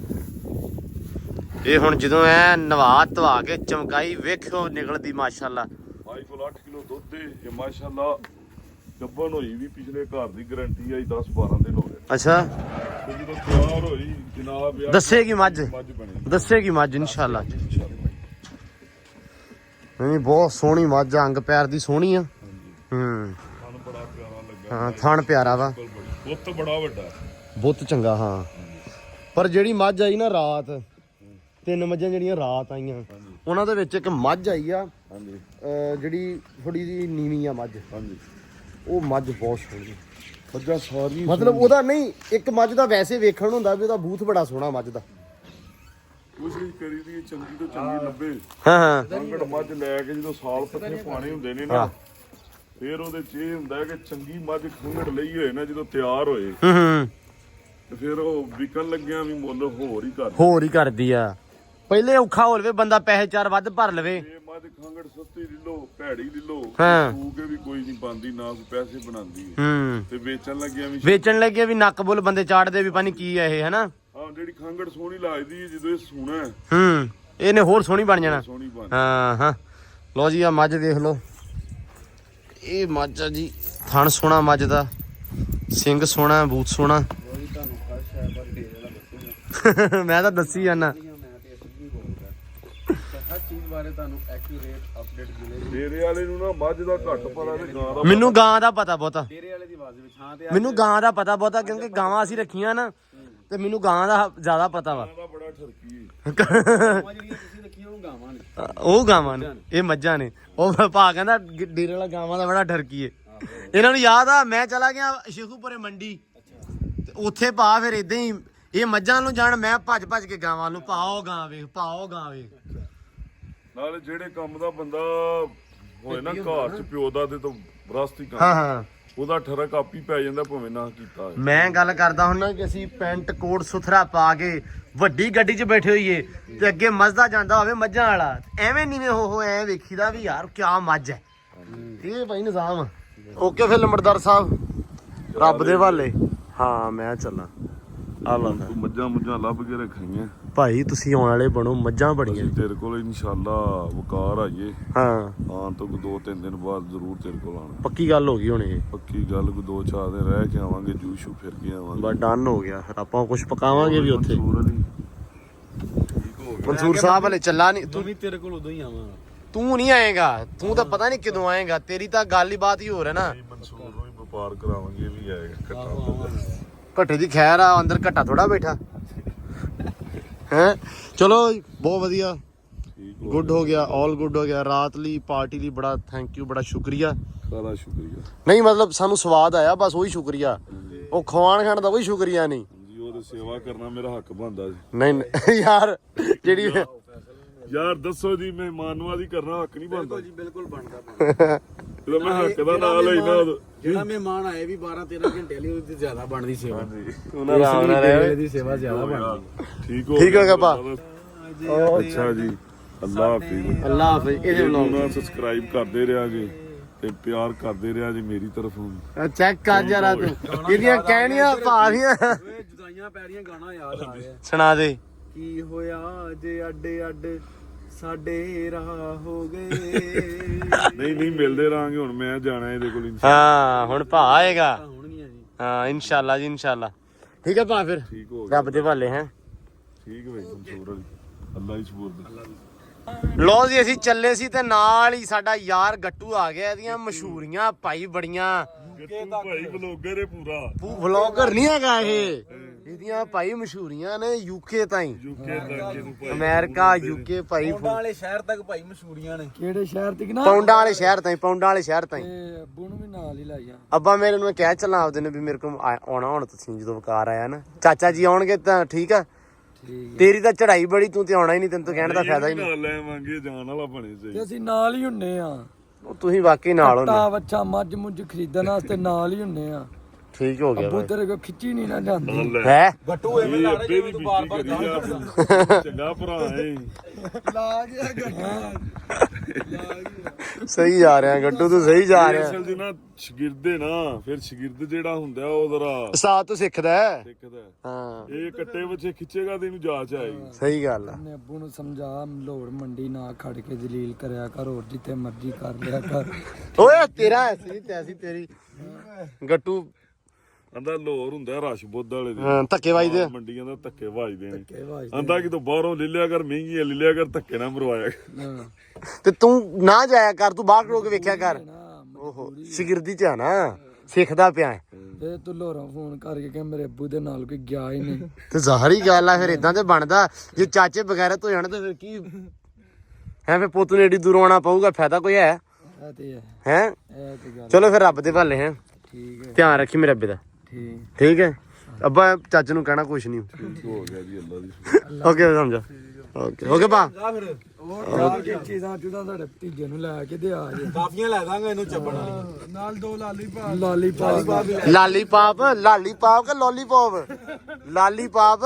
Speaker 1: ਇਹ ਹੁਣ ਜਦੋਂ ਐ ਨਵਾ ਧਵਾ ਕੇ ਚਮਕਾਈ ਵੇਖਿਓ ਨਿਕਲਦੀ ਮਾਸ਼ਾਅੱਲਾ।
Speaker 2: ਭਾਈ ਕੋਲ 8 ਕਿਲੋ ਦੁੱਧ ਹੈ ਇਹ ਮਾਸ਼ਾਅੱਲਾ। ਗੱਭਣ ਹੋਈ ਵੀ ਪਿਛਲੇ ਘਰ ਦੀ ਗਾਰੰਟੀ ਆਈ 10-12 ਦਿਨ ਹੋ ਗਏ।
Speaker 1: ਅੱਛਾ
Speaker 2: ਤੇ ਜਦੋਂ ਤਿਆਰ ਹੋਈ ਜਨਾਬ
Speaker 1: ਦੱਸੇਗੀ ਮੱਝ
Speaker 2: ਬਣੀ
Speaker 1: ਦੱਸੇਗੀ ਮੱਝ ਇਨਸ਼ਾਅੱਲਾ। ਨਹੀਂ ਬਹੁਤ ਸੋਹਣੀ ਮੱਝ ਅੰਗ ਪੈਰ ਦੀ ਸੋਹਣੀ ਆ।
Speaker 2: ਸਾਨੂੰ ਬੜਾ ਪਿਆਰਾ ਲੱਗਾ।
Speaker 1: ਹਾਂ ਥਣ ਪਿਆਰਾ ਵਾ
Speaker 2: ਬੁੱਤ ਬੜਾ ਵੱਡਾ
Speaker 1: ਬਹੁਤ ਚੰਗਾ। ਹਾਂ ਪਰ ਜਿਹੜੀ ਮੱਝ ਆਈ ਨਾ ਰਾਤ 3 ਮੱਝਾਂ ਜਿਹੜੀਆਂ ਰਾਤ ਆਈਆਂ ਉਹਨਾਂ ਦੇ ਵਿੱਚ ਇੱਕ ਮੱਝ ਆਈ ਆ
Speaker 2: ਹਾਂਜੀ
Speaker 1: ਜਿਹੜੀ ਥੋੜੀ ਜਿਹੀ ਨੀਵੀਂ ਆ ਮੱਝ।
Speaker 2: ਹਾਂਜੀ
Speaker 1: ਉਹ ਮੱਝ ਬਹੁਤ ਸੋਹਣੀ
Speaker 2: ਮੱਝਾਂ ਸਾਰੀ
Speaker 1: ਮਤਲਬ ਉਹਦਾ ਨਹੀਂ ਇੱਕ ਮੱਝ ਦਾ ਵੈਸੇ ਵੇਖਣ ਨੂੰ ਹੁੰਦਾ ਵੀ ਉਹਦਾ ਬੂਥ ਬੜਾ ਸੋਹਣਾ ਮੱਝ ਦਾ।
Speaker 2: ਕੋਸ਼ਿਸ਼ ਕਰੀ ਦੀ ਚੰਗੀ ਤੋਂ ਚੰਗੀ ਲੱਭੇ।
Speaker 1: ਹਾਂ
Speaker 2: ਸੰਗੜ ਮੱਝ ਲੈ ਕੇ ਜਦੋਂ ਸਾਲ ਪੱਠੇ ਪਾਣੀ ਹੁੰਦੇ ਨੇ ਨਾ ਫਿਰ ਉਹਦੇ ਚ ਇਹ ਹੁੰਦਾ ਕਿ ਚੰਗੀ ਮੱਝ ਖੰਗੜ ਲਈ ਹੋਏ ਨਾ ਜਦੋਂ ਤਿਆਰ ਹੋਏ ਤੇ ਫਿਰ ਉਹ ਵਿਕਣ ਲੱਗਿਆ ਵੀ ਮੁੱਲ ਹੋਰ ਹੀ
Speaker 1: ਕਰਦੀ ਆ। ਪਹਿਲੇ ਔਖਾ ਹੋ ਲਵੇ ਬੰਦਾ ਪੈਸੇ 4 ਵੱਧ ਭਰ ਲਵੇ।
Speaker 2: ਇਹ ਮੱਝ ਖੰਗੜ ਸਸਤੀ ਲੈ ਲੋ ਭੈੜੀ ਲੈ ਲੋ
Speaker 1: ਹਾਂ।
Speaker 2: ਸੂ ਕੇ ਵੀ ਕੋਈ ਨਹੀਂ ਪਾਉਂਦੀ ਨਾ ਕੋਈ ਪੈਸੇ ਬਣਾਉਂਦੀ ਤੇ ਵੇਚਣ ਲੱਗਿਆ ਵੀ
Speaker 1: ਨੱਕ ਬੁੱਲ ਬੰਦੇ ਚਾੜਦੇ ਵੀ ਪਾਣੀ ਕੀ ਆ ਇਹ ਹਨਾ।
Speaker 2: ਹਾਂ ਜਿਹੜੀ ਖੰਗੜ ਸੋਹਣੀ ਲੱਗਦੀ ਜਦੋਂ ਇਹ ਸੂਣਾ
Speaker 1: ਇਹਨੇ ਹੋਰ ਸੋਹਣੀ ਬਣ ਜਾਣਾ।
Speaker 2: ਸੋਹਣੀ ਬਣ
Speaker 1: ਹਾਂ ਲਓ ਜੀ ਆ ਮੱਝ ਦੇਖ ਲਓ। ਇਹ ਮੱਝ ਆ ਜੀ ਥਣ ਸੋਹਣਾ ਮੱਝ ਦਾ ਸਿੰਘ ਸੋਹਣਾ ਬੂਥ ਸੋਹਣਾ। ਮੈਂ ਤਾਂ ਦੱਸੀ ਜਾਣਾ
Speaker 4: ਹਰ ਚੀਜ਼ ਬਾਰੇ ਤੁਹਾਨੂੰ ਐਕੂਰੇਟ ਅਪਡੇਟ ਮਿਲੇਗੀ।
Speaker 2: ਡੇਰੇ ਵਾਲੇ ਨੂੰ ਨਾ ਮੱਝ ਦਾ ਘੱਟ ਪਤਾ ਤੇ ਗਾਂ ਦਾ
Speaker 1: ਮੈਨੂੰ ਗਾਂ ਦਾ ਪਤਾ ਬਹੁਤਾ।
Speaker 4: ਡੇਰੇ ਵਾਲੇ ਦੀ ਆਵਾਜ਼ ਵਿੱਚ ਹਾਂ ਤੇ
Speaker 1: ਮੈਨੂੰ ਗਾਂ ਦਾ ਪਤਾ ਬਹੁਤਾ ਕਿਉਂਕਿ ਗਾਵਾਂ ਅਸੀਂ ਰੱਖੀਆਂ ਨਾ ਤੇ ਮੈਨੂੰ ਗਾਂ ਦਾ ਜ਼ਿਆਦਾ ਪਤਾ ਵਾ।
Speaker 2: ਗਾਂ ਦਾ ਬੜਾ ਠਰਕੀ
Speaker 4: ਗਾਵਾਂ ਜਿਹੜੀਆਂ ਤੁਸੀਂ ਰੱਖੀਆਂ ਉਹ ਗਾਵਾਂ ਨੇ।
Speaker 1: ਉਹ ਗਾਵਾਂ ਨੇ ਇਹ ਮੱਝਾਂ ਨੇ। ਉਹ ਭਾ ਕਹਿੰਦਾ ਡੇਰੇ ਵਾਲਾ ਗਾਵਾਂ ਦਾ ਬੜਾ ਠਰਕੀ ਏ। ਇਹਨਾਂ ਨੂੰ ਯਾਦ ਆ ਮੈਂ ਚਲਾ ਗਿਆ ਸ਼ੇਖੂਪੁਰੇ ਮੰਡੀ ਤੇ ਉੱਥੇ ਭਾ ਫਿਰ ਇਦਾਂ ਹੀ ਇਹ ਮੱਝਾਂ ਨੂੰ ਜਾਣ ਮੈਂ ਭੱਜ ਕੇ ਗਾਵਾਂ ਨੂੰ ਪਾਓ ਗਾਂ ਵੇਖ
Speaker 2: ਨਾਲੇ ਜਿਹੜੇ ਕੰਮ ਦਾ ਬੰਦਾ ਹੋਏ ਨਾ ਘਰ ਚ ਪਿਓ ਦਾ ਤੇ ਤੋਂ ਵਿਰਾਸਤੀ ਕੰਮ
Speaker 1: ਹਾਂ
Speaker 2: ਉਹਦਾ ਠਰਕ ਆਪੀ ਪੈ ਜਾਂਦਾ ਭਾਵੇਂ ਨਾ ਕੀਤਾ ਹੋਏ।
Speaker 1: ਮੈਂ ਗੱਲ ਕਰਦਾ ਹੁੰਨਾ ਕਿ ਅਸੀਂ ਪੈਂਟ ਕੋਟ ਸੁਥਰਾ ਪਾ ਕੇ ਵੱਡੀ ਗੱਡੀ 'ਚ ਬੈਠੇ ਹੋਈਏ ਤੇ ਅੱਗੇ ਮੱਝਦਾ ਜਾਂਦਾ ਹੋਵੇ ਮੱਝਾਂ ਵਾਲਾ ਐਵੇਂ ਨੀਵੇਂ ਹੋ ਐ ਵੇਖੀਦਾ ਵੀ ਯਾਰ ਕਿਆ ਮੱਝ ਹੈ। ਇਹ ਭਾਈ ਨਿਜ਼ਾਮ ਓਕੇ ਫਿਰ ਲੰਬੜਦਾਰ ਸਾਹਿਬ ਰੱਬ ਦੇ ਹਵਾਲੇ। ਹਾਂ ਮੈਂ ਚੱਲਾਂ ਆ ਲਾ
Speaker 2: ਤੂੰ ਮੱਝਾਂ ਲੱਭ ਕੇ ਰੱਖਣੀਆਂ
Speaker 1: ਭਾਈ ਤੁਸੀਂ ਆਉਣ ਵਾਲੇ ਬਣੋ ਮੱਝਾਂ ਬੜੀਆਂ
Speaker 2: ਤੇਰੇ ਕੋਲ ਇਨਸ਼ਾਅੱਲਾ ਵਕਾਰ ਆਈਏ।
Speaker 1: ਹਾਂ
Speaker 2: ਆਉਣ ਤੋਂ 2-3 ਦਿਨ ਬਾਅਦ ਜ਼ਰੂਰ ਤੇਰੇ ਕੋਲ ਆਉਣਾ।
Speaker 1: ਪੱਕੀ ਗੱਲ ਹੋ ਗਈ ਹੁਣ ਇਹ
Speaker 2: ਪੱਕੀ ਗੱਲ ਕੋਈ 2-4 ਦਿਨ ਰਹਿ ਕੇ ਆਵਾਂਗੇ ਜੂਸ਼ੂ ਫਿਰ ਕੇ ਆਵਾਂਗੇ।
Speaker 1: ਬਸ ਡਨ ਹੋ ਗਿਆ ਫਿਰ ਆਪਾਂ ਕੁਝ ਪਕਾਵਾਂਗੇ ਵੀ ਉੱਥੇ।
Speaker 2: ਮਨਸੂਰ ਅਲੀ ਠੀਕ ਹੋ ਗਿਆ।
Speaker 1: ਮਨਸੂਰ ਸਾਹਿਬ ਹਲੇ ਚੱਲਾ ਨਹੀਂ
Speaker 4: ਤੂੰ ਵੀ ਤੇਰੇ ਕੋਲ ਉਦੋਂ ਹੀ ਆਵਾਂ।
Speaker 1: ਤੂੰ ਨਹੀਂ ਆਏਗਾ ਤੂੰ ਤਾਂ ਪਤਾ ਨਹੀਂ ਕਦੋਂ ਆਏਗਾ ਤੇਰੀ ਤਾਂ ਗੱਲ ਹੀ ਬਾਤ ਹੀ ਹੋ ਰਿਹਾ ਨਾ।
Speaker 2: ਮਨਸੂਰ ਨੂੰ ਵੀ ਵਪਾਰ ਕਰਾਵਾਂਗੇ ਇਹ ਵੀ ਆਏਗਾ ਇਕੱਠਾ।
Speaker 1: ਘੱਟੇ ਦੀ ਖੈਰ ਆ ਅੰਦਰ ਘੱਟਾ ਥੋੜਾ ਬੈਠਾ ਹੈ। ਚਲੋ ਬਹੁਤ ਵਧੀਆ ਗੁੱਡ ਹੋ ਗਿਆ ਆਲ ਗੁੱਡ ਹੋ ਗਿਆ। ਰਾਤ ਲਈ ਪਾਰਟੀ ਲਈ ਬੜਾ ਥੈਂਕ ਯੂ ਬੜਾ ਸ਼ੁਕਰੀਆ।
Speaker 2: ਸਾਰਾ ਸ਼ੁਕਰੀਆ।
Speaker 1: ਨਹੀਂ ਮਤਲਬ ਸਾਨੂੰ ਸਵਾਦ ਆਇਆ ਬਸ ਉਹੀ ਸ਼ੁਕਰੀਆ। ਉਹ ਖਵਾਣ ਖਾਣ ਦਾ ਕੋਈ ਸ਼ੁਕਰੀਆ ਨਹੀਂ
Speaker 2: ਜੀ ਉਹਦੇ ਸੇਵਾ ਕਰਨਾ ਮੇਰਾ ਹੱਕ ਬਣਦਾ ਸੀ।
Speaker 1: ਨਹੀਂ ਯਾਰ ਜਿਹੜੀ
Speaker 2: ਯਾਰ ਦੱਸੋ ਜੀ ਮਹਿਮਾਨ ਨਵਾਜ਼ੀ ਕਰਨਾ ਹੱਕ ਨਹੀਂ ਬਣਦਾ
Speaker 4: ਜੀ ਬਿਲਕੁਲ ਬਣਦਾ।
Speaker 2: ਜਦੋਂ ਮੈਂ ਹੱਕ ਦਾ ਨਾਂ ਲੈਣਾ
Speaker 4: ਜਿਹੜਾ ਮਹਿਮਾਨ ਆਏ ਵੀ 12-13 ਘੰਟੇ ਲਈ ਉਹਦੀ ਜ਼ਿਆਦਾ ਬਣਦੀ ਸੇਵਾ।
Speaker 1: ਉਹਨਾਂ ਆਰਾਮ ਨਾਲ ਰਹੇ
Speaker 4: ਦੀ ਸੇਵਾ ਜ਼ਿਆਦਾ ਬਣਦੀ।
Speaker 2: ਠੀਕ ਹੋ
Speaker 1: ਗਿਆ ਭਾ।
Speaker 2: ਅੱਛਾ ਜੀ ਅੱਲਾਹ ਹਾਫਿਜ਼।
Speaker 1: ਅੱਲਾਹ ਹਾਫਿਜ਼। ਇਹਦੇ ਵਲੌਗ
Speaker 2: ਨੂੰ ਸਬਸਕ੍ਰਾਈਬ ਕਰਦੇ ਰਿਹਾ ਜੀ ਤੇ ਪਿਆਰ ਕਰਦੇ ਰਿਹਾ ਜੀ ਮੇਰੀ ਤਰਫੋਂ।
Speaker 1: ਚੈੱਕ ਕਰ ਜਰਾ ਤੂੰ ਇਹਦੀਆਂ ਕਹਿਣੀਆਂ ਭਾਰੀਆਂ
Speaker 4: ਓਏ ਜੁਦਾਈਆਂ ਪੈ ਰਹੀਆਂ ਗਾਣਾ ਯਾਦ ਆ ਰਿਹਾ।
Speaker 1: ਸੁਣਾ ਦੇ।
Speaker 4: ਕੀ ਹੋਇਆ ਜੇ ਅੱਡੇ ਅੱਡ ਸਾਡੇ ਰਾਹ ਹੋ ਗਏ।
Speaker 2: ਨਹੀਂ ਮਿਲਦੇ ਰਹਾਂਗੇ ਹੁਣ ਮੈਂ ਜਾਣਾ ਇਹਦੇ ਕੋਲ
Speaker 1: ਹਾਂ ਹੁਣ ਭਾ ਆਏਗਾ।
Speaker 4: ਹੋਣਗੀਆਂ ਜੀ।
Speaker 1: ਹਾਂ ਇਨਸ਼ਾਅੱਲਾ ਜੀ ਇਨਸ਼ਾਅੱਲਾ। ਠੀਕ ਹੈ ਭਾ ਫਿਰ
Speaker 2: ਠੀਕ ਹੋ ਗਿਆ।
Speaker 1: ਰੱਬ ਦੇ ਹਵਾਲੇ ਹੈ।
Speaker 2: ਠੀਕ ਹੈ ਮਨਸੂਰ ਅਲੀ ਅੱਲਾ ਹੀ ਸਪੋਰਟ।
Speaker 1: ਲੋ ਜੀ ਅਸੀਂ ਚੱਲੇ ਸੀ ਤੇ ਨਾਲ ਹੀ ਸਾਡਾ ਯਾਰ ਗੱਟੂ ਆ ਗਿਆ। ਇਹਦੀਆਂ ਮਸ਼ਹੂਰੀਆਂ ਭਾਈ ਬੜੀਆਂ।
Speaker 2: ਭਾਈ ਵਲੋਗਰ ਹੈ ਪੂਰਾ।
Speaker 1: ਵਲੌਗਰ ਨਹੀਂ ਹੈਗਾ ਇਹ। ਇਹਦੀਆਂ ਭਾਈ ਮਸ਼ਹੂਰੀਆਂ ਨੇ ਯੂਕੇ ਤਾਈਂ
Speaker 2: ਯੂਕੇ ਤੱਕ
Speaker 1: ਅਮਰੀਕਾ ਯੂਕੇ ਭਾਈ
Speaker 4: ਪੌਂਡਾਂ ਵਾਲੇ ਸ਼ਹਿਰ ਤੱਕ ਭਾਈ ਮਸ਼ਹੂਰੀਆਂ ਨੇ।
Speaker 5: ਕਿਹੜੇ ਸ਼ਹਿਰ ਤੇ ਨਾ
Speaker 1: ਪੌਂਡਾਂ ਵਾਲੇ ਸ਼ਹਿਰ ਤਾਈਂ
Speaker 5: ਤੇ ਅੱਬੂ ਨੂੰ ਵੀ ਨਾਲ ਹੀ ਲੈ ਜਾ।
Speaker 1: ਅੱਬਾ ਮੇਰੇ ਨੂੰ ਕਹਿ ਚੱਲਾਂ ਆਪਦੇ ਨੇ ਵੀ ਮੇਰੇ ਕੋਲ ਆਉਣਾ ਹੁਣ ਤੁਸੀਂ ਜਦੋਂ ਵਕਾਰ ਆਇਆ ਨਾ ਚਾਚਾ ਜੀ ਆਉਣਗੇ ਤਾਂ ਠੀਕ ਆ। ਤੇਰੀ ਤਾਂ ਚੜਾਈ ਬੜੀ ਤੂੰ ਤੇ ਆਉਣਾ ਹੀ ਨਹੀਂ ਤੈਨੂੰ ਤਾਂ ਕਹਿਣ ਦਾ ਫਾਇਦਾ ਹੀ ਨਹੀਂ।
Speaker 2: ਨਾਲ ਲੈਵਾਂਗੇ ਜਾਣ ਵਾਲਾ ਬਣੇ
Speaker 5: ਤੇ
Speaker 2: ਚਾਹੀਦਾ।
Speaker 5: ਅਸੀਂ ਨਾਲ ਹੀ ਹੁੰਨੇ ਆ।
Speaker 1: ਤੁਸੀਂ ਵਾਕਈ ਨਾਲ
Speaker 5: ਤਾ
Speaker 1: ਹੋ।
Speaker 5: ਬੱਚਾ ਮੱਝ ਮੁੱਝ ਖਰੀਦਣ ਵਾਸਤੇ ਨਾਲ ਹੀ ਹੁੰਨੇ ਆ।
Speaker 1: ਠੀਕ ਹੋ ਗਿਆ
Speaker 5: ਅੱਬੂ ਤੇਰੇ ਕੋ ਖਿੱਚੀ ਨਹੀਂ ਨਾ ਜਾਂਦੀ
Speaker 1: ਹੈ
Speaker 4: ਗੱਟੂ ਐਵੇਂ ਲਾ ਰਹੇ ਜਿਵੇਂ ਤੂੰ ਬਾਰ-ਬਾਰ
Speaker 2: ਚੰਗਾ ਭਰਾ ਹੈ
Speaker 5: ਲਾ ਗਿਆ ਗੱਟੂ
Speaker 1: ਸਹੀ ਜਾ ਰਿਹਾ ਗੱਟੂ ਤੂੰ ਸਹੀ ਜਾ ਰਿਹਾ
Speaker 2: ਅਸਲ 'ਚ ਨਾ ਸ਼ਗਿਰਦੇ ਨਾ ਫਿਰ ਸ਼ਗਿਰਦ ਜਿਹੜਾ ਹੁੰਦਾ ਉਹ ਜ਼ਰਾ
Speaker 1: ਉਸਤਾਦ ਤੋਂ ਸਿੱਖਦਾ ਹੈ।
Speaker 2: ਸਿੱਖਦਾ
Speaker 1: ਹਾਂ
Speaker 2: ਇਹ ਕੱਟੇ ਬੱਚੇ ਖਿੱਚੇਗਾ ਤੇ ਇਹਨੂੰ ਜਾਚ ਆਏਗੀ
Speaker 1: ਸਹੀ ਗੱਲ ਆ
Speaker 5: ਨੇ ਅੱਬੂ ਨੂੰ ਸਮਝਾ ਲੋੜ ਮੰਡੀ ਨਾ ਖੜ ਕੇ ਜਲੀਲ ਕਰਿਆ ਕਰ ਹੋਰ ਜਿੱਥੇ ਮਰਜ਼ੀ ਕਰ ਲਿਆ ਕਰ
Speaker 1: ਓਏ ਤੇਰਾ ਐਸੀ ਤੈਸੀ ਤੇਰੀ ਗੱਟੂ
Speaker 2: ਆਂਦਾ ਲੋਰ ਹੁੰਦਾ ਰਸ਼ ਬੁੱਧ ਵਾਲੇ ਦੇ
Speaker 1: ਧੱਕੇ ਵੱਜਦੇ ਆ।
Speaker 2: ਮੰਡੀਆਂ ਦਾ ਧੱਕੇ ਵੱਜਦੇ ਨੇ
Speaker 5: ਕੇ ਵਾਜ
Speaker 2: ਆਂਦਾ ਕਿ ਤੂੰ ਬਾਹਰੋਂ ਲੈ ਲਿਆ ਕਰ ਮਹਿੰਗੀ ਲੈ ਲਿਆ ਕਰ ਧੱਕੇ ਨਾ ਮਰਵਾਇਆ
Speaker 1: ਤੇ ਤੂੰ ਨਾ ਜਾਇਆ ਕਰ ਤੂੰ ਬਾਹਰ ਖੜੋ ਕੇ ਵੇਖਿਆ ਕਰ
Speaker 5: ਨਾ
Speaker 1: ਓਹੋ ਸ਼ਗਿਰਦੀ ਚ ਆ ਨਾ ਸਿੱਖਦਾ ਪਿਆ ਹੈ।
Speaker 5: ਤੇ ਤੂੰ ਲੋਰਾਂ ਫੋਨ ਕਰਕੇ ਕਿ ਮੇਰੇ ਅੱਬੂ ਦੇ ਨਾਲ ਕੋਈ ਗਿਆ ਹੀ ਨਹੀਂ
Speaker 1: ਤੇ ਜ਼ਾਹਰੀ ਗੱਲ ਆ ਫਿਰ ਇਦਾਂ ਤੇ ਬਣਦਾ ਜੇ ਚਾਚੇ ਬਗੈਰਤ ਹੋ ਜਾਣ ਤੇ ਫਿਰ ਕੀ ਹੈ ਫਿਰ ਪੁੱਤ ਨੂੰ ਏਡੀ ਦੂਰੋਂ ਆਉਣਾ ਪਊਗਾ ਫਾਇਦਾ ਕੋਈ ਹੈ
Speaker 5: ਇਹ ਤੇ ਹੈ
Speaker 1: ਹੈ
Speaker 5: ਇਹ ਤੇ ਗੱਲ
Speaker 1: ਚਲੋ ਫਿਰ ਰੱਬ ਦੇ ਭਾਲੇ ਹੈ
Speaker 5: ਠੀਕ ਹੈ
Speaker 1: ਧਿਆਨ ਰੱਖੀ ਮੇਰੇ ਅੱਬੇ ਦਾ
Speaker 5: ਠੀਕ
Speaker 1: ਠੀਕ ਹੈ ਅੱਬਾ ਚਾਚੇ ਨੂੰ ਕਹਿਣਾ ਕੁਛ ਨਹੀਂ
Speaker 2: ਹੋ ਗਿਆ ਜੀ ਅੱਲਾ ਦੀ
Speaker 1: ਓਕੇ ਸਮਝਾ ਓਕੇ ਬਾ
Speaker 5: ਉਹ ਜਾ ਕੇ ਚੀਜ਼ਾਂ ਚੁਦਾ ਤੁਹਾਡੇ ਭਤੀਜੇ ਨੂੰ ਲੈ ਕੇ ਦੇ ਆ ਜੇ
Speaker 4: ਕਾਫੀਆਂ ਲੈ ਦਾਂਗਾ ਇਹਨੂੰ ਚੱਬਣ ਵਾਲੀ
Speaker 5: ਨਾਲ ਦੋ ਲਾਲੀਪਾਪ
Speaker 1: ਲਾਲੀਪਾਪ ਲਾਲੀਪਾਪ ਕਿ ਲੋਲੀਪੌਪ ਲਾਲੀਪਾਪ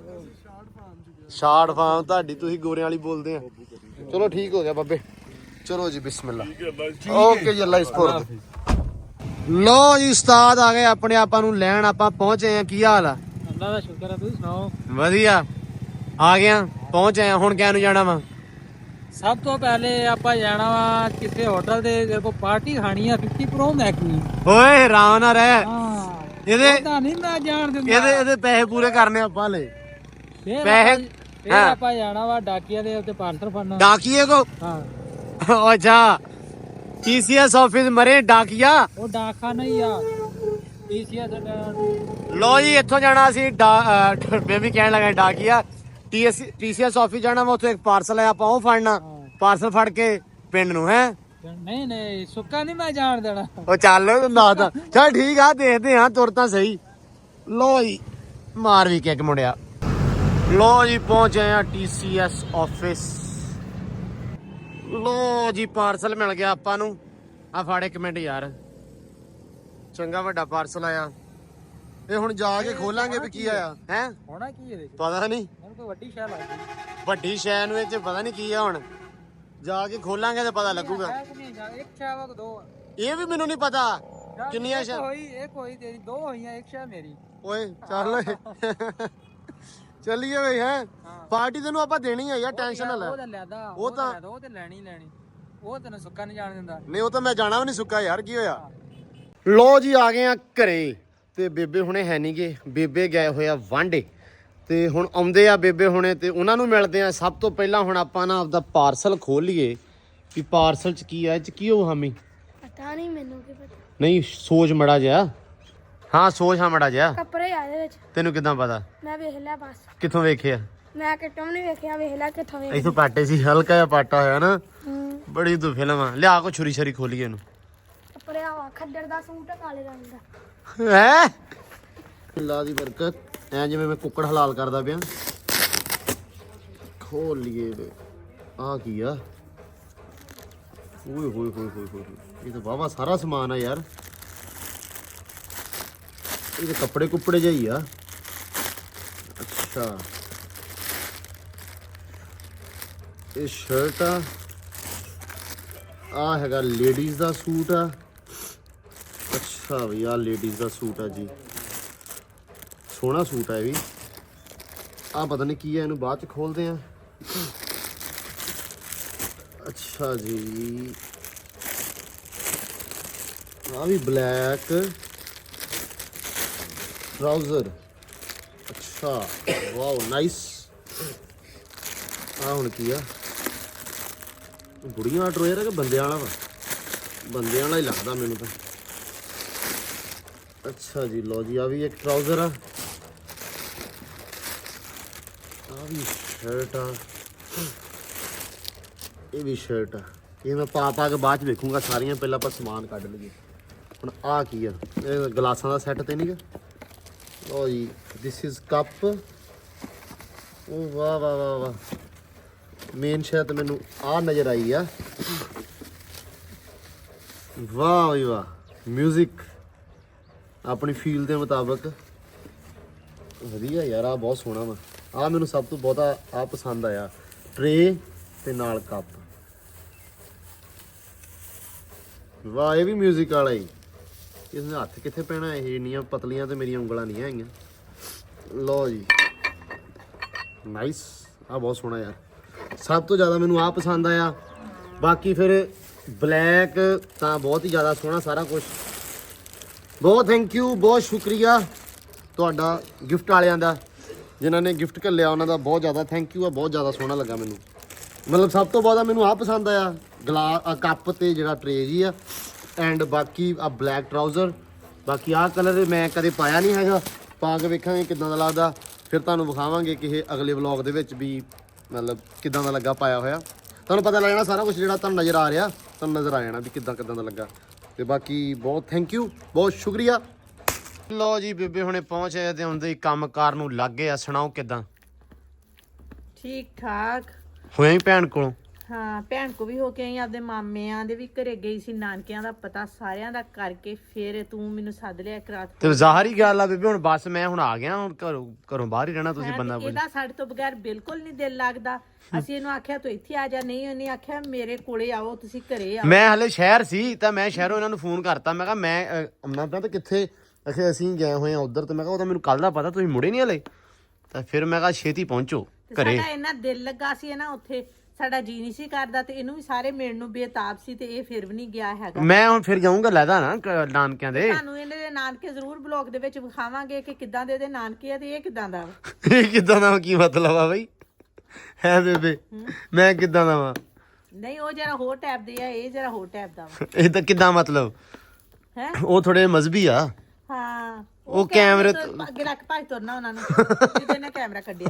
Speaker 1: ਸ਼ਾਰਟ ਫਾਰਮ ਤੁਹਾਡੀ ਤੁਸੀਂ ਗੋਰਿਆਂ ਵਾਲੀ ਬੋਲਦੇ ਆ ਚਲੋ ਠੀਕ ਹੋ ਗਿਆ ਬਾਬੇ ਚਲੋ ਜੀ ਬਿਸਮਿਲ੍ਲਾ ਓਕੇ ਜੀ ਅੱਲਾ ਇਸਪੁਰਦ ਲੋ ਜੀ ਉਸਤਾਦ ਆ ਗਏ ਆਪਣੇ ਆਪਾਂ ਨੂੰ ਲੈਣ ਆਪਾਂ ਪਹੁੰਚੇ ਆ ਕੀ ਹਾਲ ਆ
Speaker 5: ਅੱਲਾ ਦਾ ਸ਼ੁਕਰ ਹੈ ਤੁਸੀਂ ਸੁਣਾਓ
Speaker 1: ਵਧੀਆ ਆ ਗਿਆ ਪਹੁੰਚ ਆਇਆ ਹੁਣ ਕਿਆ ਨੂੰ ਜਾਣਾ ਵਾ
Speaker 5: ਸਭ ਤੋਂ ਪਹਿਲੇ ਆਪਾਂ ਜਾਣਾ ਵਾ ਕਿਸੇ ਹੋਟਲ ਦੇ ਜਿਹੜੇ ਕੋ ਪਾਰਟੀ ਖਾਣੀ ਆ 50 ਪ੍ਰੋ ਮੈਕਨੀ
Speaker 1: ਓਏ ਆਰਾਮ ਨਾਲ ਰਹਿ
Speaker 5: ਹਾਂ
Speaker 1: ਇਹਦੇ
Speaker 5: ਤਾਂ ਨਹੀਂ ਮੈਂ ਜਾਣ ਦਿੰਦਾ
Speaker 1: ਇਹਦੇ ਪੈਸੇ ਪੂਰੇ ਕਰਨੇ ਆਪਾਂ ਲੈ
Speaker 5: ਫਿਰ
Speaker 1: ਪੈਸੇ
Speaker 5: ਫਿਰ ਆਪਾਂ ਜਾਣਾ ਵਾ ਡਾਕੀਆ ਦੇ ਉੱਤੇ ਪਾਰਸਲ ਫੜਨਾ
Speaker 1: ਡਾਕੀਏ ਕੋ
Speaker 5: ਹਾਂ
Speaker 1: ਅੱਛਾ TCS ਆਫਿਸ ਮਰੇ ਡਾਕੀਆ
Speaker 5: ਉਹ ਡਾਕਖਾਨਾ ਹੀ ਆ ਟੀਸੀਐਸ
Speaker 1: ਲੋ ਜੀ ਇੱਥੋਂ ਜਾਣਾ ਸੀ ਮੈਂ ਵੀ ਕਹਿਣ ਲੱਗਾ ਡਾਕੀਆ TCS ਆਫਿਸ ਜਾਣਾ ਵਾ ਉੱਥੇ ਇੱਕ ਪਾਰਸਲ ਹੈ ਆਪਾਂ ਉਹ ਫੜਨਾ ਪਾਰਸਲ ਫੜ ਕੇ ਪਿੰਡ ਨੂੰ ਹੈ
Speaker 5: ਨਹੀਂ ਨਹੀਂ ਸੁੱਕਾ ਨਹੀਂ ਮੈਂ ਜਾਣ ਦੇਣਾ
Speaker 1: ਉਹ ਚੱਲ ਨਾ ਤਾਂ ਚੱਲ ਠੀਕ ਆ ਦੇਖਦੇ ਹਾਂ ਤੁਰ ਤਾਂ ਸਹੀ ਲੋ ਜੀ ਮਾਰ ਵੀ ਕਿੱਕ ਮੁੰਡਿਆ ਲੋ ਜੀ ਪਹੁੰਚੇ ਆ TCS ਆਫਿਸ ਲੋ ਜੀ ਪਾਰਸਲ ਮਿਲ ਗਿਆ ਆਪਾਂ ਨੂੰ ਆ ਫੜ ਇੱਕ ਮਿੰਟ ਯਾਰ ਚੰਗਾ ਵੱਡਾ ਪਾਰਸਲ ਆਇਆ ਇਹ ਹੁਣ ਜਾ ਕੇ ਖੋਲਾਂਗੇ ਵੀ ਕੀ ਆਇਆ ਹੈ
Speaker 5: ਹੋਣਾ ਕੀ ਇਹਦੇ ਚ
Speaker 1: ਪਤਾ ਨਹੀਂ
Speaker 5: ਮੈਨੂੰ ਕੋਈ ਵੱਡੀ ਸ਼ੈ ਲੱਗਦੀ
Speaker 1: ਵੱਡੀ ਸ਼ੈ ਨੂੰ ਇਹ ਚ ਪਤਾ ਨਹੀਂ ਕੀ ਆ ਹੁਣ ਜਾ ਕੇ ਖੋਲਾਂਗੇ ਤੇ ਪਤਾ ਲੱਗੂਗਾ
Speaker 5: ਹੈ ਕਿ ਨਹੀਂ ਜਾਂ ਇੱਕ ਸ਼ੈ ਵਾ ਕਿ ਦੋ ਆ?
Speaker 1: ਇਹ ਵੀ ਮੈਨੂੰ ਨਹੀਂ ਪਤਾ ਕਿੰਨੀਆਂ
Speaker 5: ਇੱਕ
Speaker 1: ਸ਼ੈ
Speaker 5: ਹੋਈ ਇੱਕ ਹੋਈ ਤੇਰੀ ਦੋ ਹੋਈਆਂ ਇੱਕ ਸ਼ੈ ਮੇਰੀ
Speaker 1: ਓਏ ਚੱਲ ਓਏ ਚੱਲੀਏ ਬਈ ਹੈ ਪਾਰਟੀ ਤੈਨੂੰ ਆਪਾਂ ਦੇਣੀ ਆ ਯਾਰ ਟੈਨਸ਼ਨ ਨਾ ਲੈ
Speaker 5: ਉਹ ਤਾਂ ਲੈਦਾ
Speaker 1: ਉਹ ਤਾਂ
Speaker 5: ਉਹ ਤੇ ਲੈਣੀ ਲੈਣੀ ਉਹ ਤੈਨੂੰ ਸੁੱਕਾ ਨਹੀਂ ਜਾਣ ਦਿੰਦਾ
Speaker 1: ਨਹੀਂ ਉਹ ਤਾਂ ਮੈਂ ਜਾਣਾ ਵੀ ਨਹੀਂ ਸੁੱਕਾ ਯਾਰ ਕੀ ਹੋਇਆ ਲੋ ਜੀ ਆ ਗਏ ਆ ਘਰੇ ਤੇ ਬੇਬੇ ਹੁਣੇ ਹੈ ਨਹੀਂਗੇ ਬੇਬੇ ਗਏ ਹੋਏ ਆ ਵਾਂਡੇ ਤੇ ਹੁਣ ਆਉਂਦੇ ਆ ਬੇਬੇ ਹੁਣੇ ਤੇ ਉਹਨਾਂ ਨੂੰ ਮਿਲਦੇ ਆ ਸਭ ਤੋਂ ਪਹਿਲਾਂ ਹੁਣ ਆਪਾਂ ਨਾ ਆਪਦਾ ਪਾਰਸਲ ਖੋਲ ਲਈਏ ਵੀ ਪਾਰਸਲ ਚ ਕੀ ਆ ਇਹ ਚ ਕੀ ਹੋ ਹਾਮੀ
Speaker 6: ਪਤਾ ਨਹੀਂ ਮੈਨੂੰ ਕੀ ਪਤਾ
Speaker 1: ਨਹੀਂ ਸੋਚ ਮੜਾ ਜਿਆ ਹਾਂ ਸੋਚ ਹਾਂ ਮੜਾ ਜਿਆ
Speaker 6: ਕੱਪੜੇ ਆ ਇਹਦੇ ਵਿੱਚ
Speaker 1: ਤੈਨੂੰ ਕਿਦਾਂ ਪਤਾ
Speaker 6: ਮੈਂ ਵੇਖ ਲਿਆ ਬਸ
Speaker 1: ਕਿੱਥੋਂ ਵੇਖਿਆ
Speaker 6: ਮੈਂ ਕਿਤੋਂ ਨਹੀਂ ਵੇਖਿਆ ਵੇਖ ਲਿਆ ਕਿੱਥੋਂ ਵੇਖ
Speaker 1: ਇਥੋਂ ਪਾਟੇ ਸੀ ਹਲਕਾ ਜਿਹਾ ਪਾਟਾ ਹੋਇਆ ਨਾ
Speaker 6: ਹੂੰ
Speaker 1: ਬੜੀ ਤੂੰ ਫਿਲਮ ਆ ਲਿਆ ਕੋ ਛੁਰੀ ਛਰੀ ਖੋਲੀਏ ਇਹਨੂੰ
Speaker 6: ਕੱਪੜੇ ਆ ਖੱਦਰ ਦਾ ਸੂਟ ਆ ਕਾਲੇ ਰੰਗ ਦਾ
Speaker 1: ਹੈ ਅੱਲਾ ਦੀ ਬਰਕਤ ਐ ਜਿਵੇਂ ਮੈਂ ਕੁੱਕੜ ਹਲਾਲ ਕਰਦਾ ਪਿਆ ਖੋਲ ਲਈਏ ਆ ਕੀ ਆ ਓਏ ਹੋਏ ਹੋਏ ਹੋਏ ਹੋਏ ਇਹ ਤਾਂ ਵਾਵਾ ਸਾਰਾ ਸਮਾਨ ਆ ਯਾਰ ਇਹ ਤਾਂ ਕੱਪੜੇ ਕੁੱਪੜੇ ਜਿਹੀ ਆ ਅੱਛਾ ਇਹ ਸ਼ਰਟ ਆ ਹੈਗਾ ਲੇਡੀਜ਼ ਦਾ ਸੂਟ ਆ ਅੱਛਾ ਵੀ ਆ ਲੇਡੀਜ਼ ਦਾ ਸੂਟ ਆ ਜੀ ਸੋਹਣਾ ਸੂਟ ਆ ਇਹ ਵੀ ਆ ਪਤਾ ਨਹੀਂ ਕੀ ਆ ਇਹਨੂੰ ਬਾਅਦ ਚ ਖੋਲਦੇ ਆ ਅੱਛਾ ਜੀ ਆ ਵੀ ਬਲੈਕ ਟਰਾਊਜ਼ਰ ਅੱਛਾ ਵਾਓ ਨਾਈਸ ਆ ਹੁਣ ਕੀ ਆ ਗੁੜੀਆਂ ਦਾ ਟਰੋਜ਼ਰ ਹੈ ਕਿ ਬੰਦਿਆਂ ਵਾਲਾ ਵਾ ਬੰਦਿਆਂ ਵਾਲਾ ਹੀ ਲੱਗਦਾ ਮੈਨੂੰ ਤਾਂ ਅੱਛਾ ਜੀ ਲੋ ਜੀ ਆ ਵੀ ਇੱਕ ਟਰਾਊਜ਼ਰ ਆ ਵੀ ਸ਼ਰਟ ਆ ਇਹ ਵੀ ਸ਼ਰਟ ਆ ਇਹ ਮੈਂ ਪਾ ਕੇ ਬਾਅਦ ਚ ਵੇਖੂੰਗਾ ਸਾਰੀਆਂ ਪਹਿਲਾਂ ਆਪਾਂ ਸਮਾਨ ਕੱਢ ਲਈਏ ਹੁਣ ਆ ਕੀ ਆ ਇਹ ਗਲਾਸਾਂ ਦਾ ਸੈੱਟ ਤੇ ਨਹੀਂਗਾ ਲੋ ਜੀ ਦਿਸ ਇਜ਼ ਕੱਪ ਉਹ ਵਾਹ ਵਾਹ ਵਾਹ ਵਾਹ ਮੇਨ ਸ਼ਾਇਦ ਮੈਨੂੰ ਆ ਨਜ਼ਰ ਆਈ ਆ ਵਾਹ ਵੀ ਵਾਹ ਮਿਊਜ਼ਿਕ ਆਪਣੀ ਫੀਲ ਦੇ ਮੁਤਾਬਕ ਵਧੀਆ ਯਾਰ। ਆ ਬਹੁਤ ਸੋਹਣਾ ਵਾ। ਆ ਮੈਨੂੰ ਸਭ ਤੋਂ ਬਹੁਤਾ ਆ ਪਸੰਦ ਆਇਆ, ਟਰੇ ਤੇ ਨਾਲ ਕੱਪ। ਵਾਹ, ਇਹ ਵੀ ਮਿਊਜ਼ਿਕ ਵਾਲਾ ਹੀ। ਇਸਨੇ ਹੱਥ ਕਿੱਥੇ ਪੈਣਾ, ਇਹ ਇੰਨੀਆਂ ਪਤਲੀਆਂ ਤੇ ਮੇਰੀਆਂ ਉਂਗਲਾਂ ਨਹੀਂ ਹੈਗੀਆਂ। ਲਓ ਜੀ, ਨਾਈਸ। ਆ ਬਹੁਤ ਸੋਹਣਾ ਯਾਰ। ਸਭ ਤੋਂ ਜ਼ਿਆਦਾ ਮੈਨੂੰ ਆ ਪਸੰਦ ਆਇਆ। ਬਾਕੀ ਫਿਰ ਬਲੈਕ ਤਾਂ ਬਹੁਤ ਹੀ ਜ਼ਿਆਦਾ ਸੋਹਣਾ ਸਾਰਾ ਕੁਝ। ਬਹੁਤ ਥੈਂਕ ਯੂ, ਬਹੁਤ ਸ਼ੁਕਰੀਆ ਤੁਹਾਡਾ ਗਿਫਟ ਵਾਲਿਆਂ ਦਾ, ਜਿਨ੍ਹਾਂ ਨੇ ਗਿਫਟ ਘੱਲਿਆ ਉਹਨਾਂ ਦਾ ਬਹੁਤ ਜ਼ਿਆਦਾ ਥੈਂਕ ਯੂ ਆ। ਬਹੁਤ ਜ਼ਿਆਦਾ ਸੋਹਣਾ ਲੱਗਾ ਮੈਨੂੰ। ਮਤਲਬ ਸਭ ਤੋਂ ਜ਼ਿਆਦਾ ਮੈਨੂੰ ਆ ਪਸੰਦ ਆਇਆ, ਕੱਪ ਤੇ ਜਿਹੜਾ ਟਰੇ ਜੀ ਆ, ਐਂਡ ਬਾਕੀ ਆ ਬਲੈਕ ਟਰਾਊਜ਼ਰ। ਬਾਕੀ ਆਹ ਕਲਰ ਮੈਂ ਕਦੇ ਪਾਇਆ ਨਹੀਂ ਹੈਗਾ, ਪਾ ਕੇ ਵੇਖਾਂਗੇ ਕਿੱਦਾਂ ਦਾ ਲੱਗਦਾ। ਫਿਰ ਤੁਹਾਨੂੰ ਵਿਖਾਵਾਂਗੇ ਕਿਸੇ ਅਗਲੇ ਵਲੌਗ ਦੇ ਵਿੱਚ ਵੀ ਮਤਲਬ ਕਿੱਦਾਂ ਦਾ ਲੱਗਾ ਪਾਇਆ ਹੋਇਆ। ਤੁਹਾਨੂੰ ਪਤਾ ਲੱਗ ਜਾਣਾ ਸਾਰਾ ਕੁਝ ਜਿਹੜਾ ਤੁਹਾਨੂੰ ਨਜ਼ਰ ਆ ਰਿਹਾ, ਤੁਹਾਨੂੰ ਨਜ਼ਰ ਆ ਜਾਣਾ ਵੀ ਕਿੱਦਾਂ ਦਾ ਲੱਗਾ। ਤੇ ਬਾਕੀ ਬਹੁਤ ਥੈਂਕ ਯੂ, ਬਹੁਤ ਸ਼ੁਕਰੀਆ। ਲਓ ਜੀ, ਬੇਬੇ ਹੁਣੇ ਪਹੁੰਚ ਆਏ ਤੇ ਹੁੰਦੇ ਹੀ ਕੰਮ ਕਾਰ ਨੂੰ ਲੱਗ ਗਏ ਆ। ਸੁਣਾਓ ਕਿੱਦਾਂ
Speaker 3: ਠੀਕ ਠਾਕ।
Speaker 1: ਹੋਇਆ ਹੀ ਭੈਣ ਕੋਲੋਂ?
Speaker 3: ਹਾਂ, ਭੈਣ ਕੋ ਵੀ ਹੋ ਕੇ ਆਈ, ਆਪਦੇ ਮਾਮਿਆਂ ਦੇ ਵੀ ਘਰੇ ਗਈ ਸੀ, ਨਾਨਕਿਆਂ ਦਾ ਪਤਾ ਸਾਰਿਆਂ ਦਾ ਕਰਕੇ ਫਿਰ ਤੂੰ ਮੈਨੂੰ ਸੱਦ ਲਿਆ ਇੱਕ ਰਾਤ।
Speaker 1: ਤੇ ਜ਼ਾਹਰ ਹੀ ਗੱਲ ਆ ਬੇਬੇ, ਹੁਣ ਬਸ ਮੈਂ ਹੁਣ ਆ ਗਿਆ, ਹੁਣ ਘਰੋਂ ਬਾਹਰ ਹੀ ਰਹਿਣਾ ਤੁਸੀਂ ਬੰਦਾ ਬੋਲ।
Speaker 3: ਇਹਦਾ ਸਾਡੇ ਤੋਂ ਬਗੈਰ ਬਿਲਕੁਲ ਨਹੀਂ ਦਿਲ ਲੱਗਦਾ। ਅਸੀਂ ਇਹਨੂੰ ਆਖਿਆ ਤੂੰ ਇੱਥੇ ਆ ਜਾ, ਨਹੀਂ ਉਹਨੇ ਆਖਿਆ ਮੇਰੇ ਕੋਲੇ ਆਓ, ਤੁਸੀਂ ਘਰੇ ਆਓ।
Speaker 1: ਮੈਂ ਹਲੇ ਸ਼ਹਿਰ ਸੀ ਤਾਂ ਮੈਂ ਸ਼ਹਿਰੋਂ ਇਹਨਾਂ ਨੂੰ ਫੋਨ ਕਰਤਾ। ਮੈਂ ਕਿਹਾ ਮੈਂ ਅੰਮਾ ਤਾਂ ਕਿੱਥੇ, ਅਸੀਂ ਗਏ ਹੋਏ ਆ ਉਧਰ। ਤੇ ਮੈਂ ਕਿਹਾ ਉਹ ਤਾਂ ਮੈਨੂੰ ਕੱਲ ਦਾ ਪਤਾ, ਤੁਸੀਂ ਮੁੜੇ ਨਹੀਂ ਹਲੇ। ਤਾਂ ਫਿਰ ਮੈਂ ਕਿਹਾ ਛੇਤੀ ਪਹੁੰਚੋ ਘਰੇ।
Speaker 3: ਸਾਡਾ ਇੰਨਾ ਦਿਲ ਲੱਗਾ ਸੀ ਨਾ ਉੱਥੇ, ਸਾਡਾ ਜੀ ਨਹੀਂ ਸੀ ਕਰਦਾ। ਤੇ ਇਹਨੂੰ ਵੀ ਸਾਰੇ ਮਿਲਣ ਨੂੰ ਬੇਤਾਬ ਸੀ ਤੇ ਇਹ ਫਿਰ ਵੀ ਨਹੀਂ ਗਿਆ ਹੈਗਾ।
Speaker 1: ਮੈਂ ਹੁਣ ਫਿਰ ਜਾਊਂਗਾ ਲੈਦਾ ਨਾ ਨਾਨਕਿਆਂ ਦੇ।
Speaker 3: ਤੁਹਾਨੂੰ ਇਹਦੇ ਦੇ ਨਾਨਕੇ ਜ਼ਰੂਰ ਬਲੌਗ ਦੇ ਵਿੱਚ ਵਿਖਾਵਾਂਗੇ ਕਿ ਕਿੱਦਾਂ ਦੇ ਇਹਦੇ ਨਾਨਕੇ ਆ ਤੇ ਇਹ ਕਿੱਦਾਂ ਦਾ।
Speaker 1: ਇਹ ਕਿੱਦਾਂ ਦਾ ਕੀ ਮਤਲਬ ਆ ਬਈ? ਹੈ ਬੇਬੇ, ਮੈਂ ਕਿੱਦਾਂ ਦਾ ਵਾ?
Speaker 3: ਨਹੀਂ, ਉਹ ਜਰਾ ਹੋਰ ਟਾਈਪ ਦੇ ਆ, ਇਹ ਜਰਾ ਹੋਰ ਟਾਈਪ ਦਾ ਵਾ।
Speaker 1: ਇਹ ਤਾਂ ਕਿੱਦਾਂ ਮਤਲਬ?
Speaker 3: ਹੈ
Speaker 1: ਉਹ ਥੋੜੇ ਮਜ਼ਬੀ ਆ।
Speaker 3: ਹਾਂ,
Speaker 1: ਉਹ ਕੈਮਰੇ
Speaker 3: ਤੋਂ ਅੱਗੇ ਰੱਖ ਭਾਈ ਤੁਰਨਾ ਉਹਨਾਂ ਨੂੰ ਜਿਹਦੇ ਨੇ ਕੈਮਰਾ ਕੱਢਿਆ।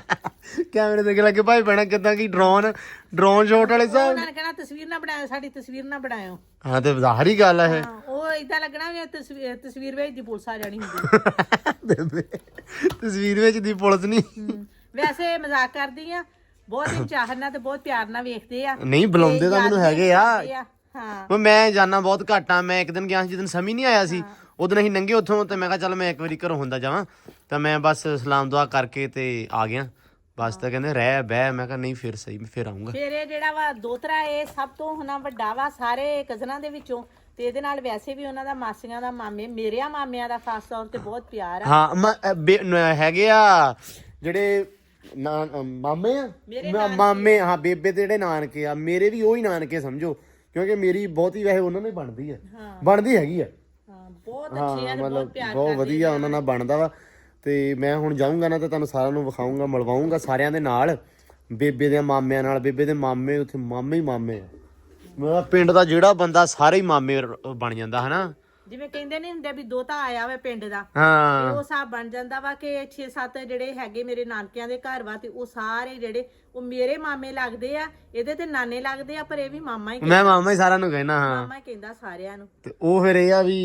Speaker 1: ਕੈਮਰੇ ਦੇ ਅੱਗੇ ਲੱਗੇ ਭਾਈ ਬਣਾ ਕਿੱਦਾਂ ਕੀ ਡਰੋਨ ਸ਼ਾਟ ਵਾਲੇ ਸਾਹਿਬ।
Speaker 3: ਉਹਨਾਂ ਨੇ ਕਹਿਣਾ ਤਸਵੀਰ ਨਾ ਬਣਾਇਓ, ਸਾਡੀ ਤਸਵੀਰ ਨਾ ਬਣਾਇਓ।
Speaker 1: ਹਾਂ ਤੇ ਜ਼ਾਹਰ ਹੀ ਗੱਲ ਆ ਇਹ।
Speaker 3: ਹਾਂ, ਉਹ ਇਦਾਂ ਲੱਗਣਾ ਵੀ ਤਸਵੀਰ ਵਿੱਚ ਦੀ ਪੁਲਿਸ ਆ ਜਾਣੀ ਹੁੰਦੀ।
Speaker 1: ਬੇਬੇ ਤਸਵੀਰ ਵਿੱਚ ਦੀ ਪੁਲਿਸ ਨਹੀਂ।
Speaker 3: ਵੈਸੇ ਮਜ਼ਾਕ ਕਰਦੀ ਆ, ਬਹੁਤ ਹੀ ਚਾਹਤ ਨਾਲ ਤੇ ਬਹੁਤ ਪਿਆਰ ਨਾਲ ਵੇਖਦੇ ਆ।
Speaker 1: ਨਹੀਂ ਬੁਲਾਉਂਦੇ ਤਾਂ ਮੈਨੂੰ ਹੈਗੇ ਆ।
Speaker 3: ਹਾਂ,
Speaker 1: ਮੈਂ ਜਾਣਾ ਬਹੁਤ ਘੱਟ ਆ। ਮੈਂ ਇੱਕ ਦਿਨ ਗਿਆ ਸੀ ਜਦੋਂ ਸਮੀ ਨਹੀਂ ਆਇਆ ਸੀ, ਉਦੋਂ ਅਸੀਂ ਨੰਗੇ ਉੱਥੋਂ। ਤੇ ਮੈਂ ਕਿਹਾ ਚੱਲ ਮੈਂ ਇੱਕ ਵਾਰੀ ਘਰੋਂ ਹੁੰਦਾ ਜਾਵਾਂ। ਤਾਂ ਮੈਂ ਬਸ ਸਲਾਮ ਦੁਆ ਕਰਕੇ ਤੇ ਆ ਗਿਆ ਬਸ। ਤਾਂ ਕਹਿੰਦੇ ਰਹਿ ਬਹਿ। ਮੈਂ ਕਿਹਾ ਨਹੀਂ ਫਿਰ ਸਹੀ, ਮੈਂ ਫਿਰ ਆਉਂਗਾ।
Speaker 3: ਫਿਰ ਇਹ ਜਿਹੜਾ ਵਾ ਦੋਤਰਾ, ਇਹ ਸਭ ਤੋਂ ਹੁਣਾ ਵੱਡਾ ਵਾ ਸਾਰੇ ਕਜ਼ਨਾਂ ਦੇ ਵਿੱਚੋਂ। ਤੇ ਇਹਦੇ ਨਾਲ ਵੈਸੇ ਵੀ ਉਹਨਾਂ ਦਾ ਮਾਸੀਆਂ ਦਾ, ਮਾਮੇ ਮੇਰਿਆਂ ਮਾਮਿਆਂ ਦਾ ਖਾਸ ਤੌਰ ਤੇ ਬਹੁਤ ਪਿਆਰ ਆ।
Speaker 1: ਹਾਂ ਹੈਗੇ ਆ ਜਿਹੜੇ ਮਾਮੇ ਆ, ਮਾਮੇ। ਹਾਂ, ਬੇਬੇ ਦੇ ਜਿਹੜੇ ਨਾਨਕੇ ਆ ਮੇਰੇ ਵੀ ਉਹੀ ਨਾਨਕੇ ਸਮਝੋ, ਕਿਉਂਕਿ ਮੇਰੀ ਬਹੁਤੀ ਵੈਸੇ ਉਹਨਾਂ ਨਾਲ ਬਣਦੀ ਆ, ਬਣਦੀ ਹੈਗੀ ਆ।
Speaker 3: ਹਾਂ, ਬਹੁਤ ਅੱਛੇ ਆ ਤੇ ਬਹੁਤ ਪਿਆਰ
Speaker 1: ਬਹੁਤ ਵਧੀਆ ਉਹਨਾਂ ਨਾਲ ਬਣਦਾ ਵਾ। ਤੇ ਮੈਂ ਹੁਣ ਜਾਊਂਗਾ ਨਾ ਤੇ ਤੁਹਾਨੂੰ ਸਾਰਿਆਂ ਨੂੰ ਵਿਖਾਊਂਗਾ, ਮਿਲਵਾਊਂਗਾ ਸਾਰਿਆਂ ਦੇ ਨਾਲ, ਬੇਬੇ ਦੇ ਮਾਮਿਆਂ ਨਾਲ। ਬੇਬੇ ਦੇ ਮਾਮੇ ਉੱਥੇ ਮਾਮੇ ਹੀ ਮਾਮੇ ਆ। ਮੇਰਾ ਪਿੰਡ ਦਾ ਜਿਹੜਾ ਬੰਦਾ ਸਾਰੇ ਹੀ ਮਾਮੇ ਬਣ ਜਾਂਦਾ ਹਨਾ।
Speaker 3: ਜਿਵੇਂ ਕਹਿੰਦੇ ਨਹੀਂ ਹੁੰਦੇ ਵੀ ਦੋਤਾ ਆਇਆ ਵਾ ਪਿੰਡ ਦਾ,
Speaker 1: ਹਾਂ,
Speaker 3: ਉਹ ਹਿਸਾਬ ਬਣ ਜਾਂਦਾ ਵਾ ਕਿ 6-7 ਜਿਹੜੇ ਹੈਗੇ ਮੇਰੇ ਨਾਨਕਿਆਂ ਦੇ ਘਰ ਵਾ, ਤੇ ਉਹ ਸਾਰੇ ਜਿਹੜੇ ਉਹ ਮੇਰੇ ਮਾਮੇ ਲੱਗਦੇ ਆ। ਇਹਦੇ ਤੇ ਨਾਨੇ ਲੱਗਦੇ ਆ, ਪਰ ਇਹ ਵੀ ਮਾਮਾ ਹੀ
Speaker 1: ਮੈਂ ਮਾਮਾ ਹੀ ਸਾਰਿਆਂ ਨੂੰ ਕਹਿਣਾ। ਹਾਂ,
Speaker 3: ਮਾਮਾ ਹੀ ਕਹਿੰਦਾ ਸਾਰਿਆਂ ਨੂੰ।
Speaker 1: ਤੇ ਉਹ ਫਿਰ ਇਹ ਆ ਵੀ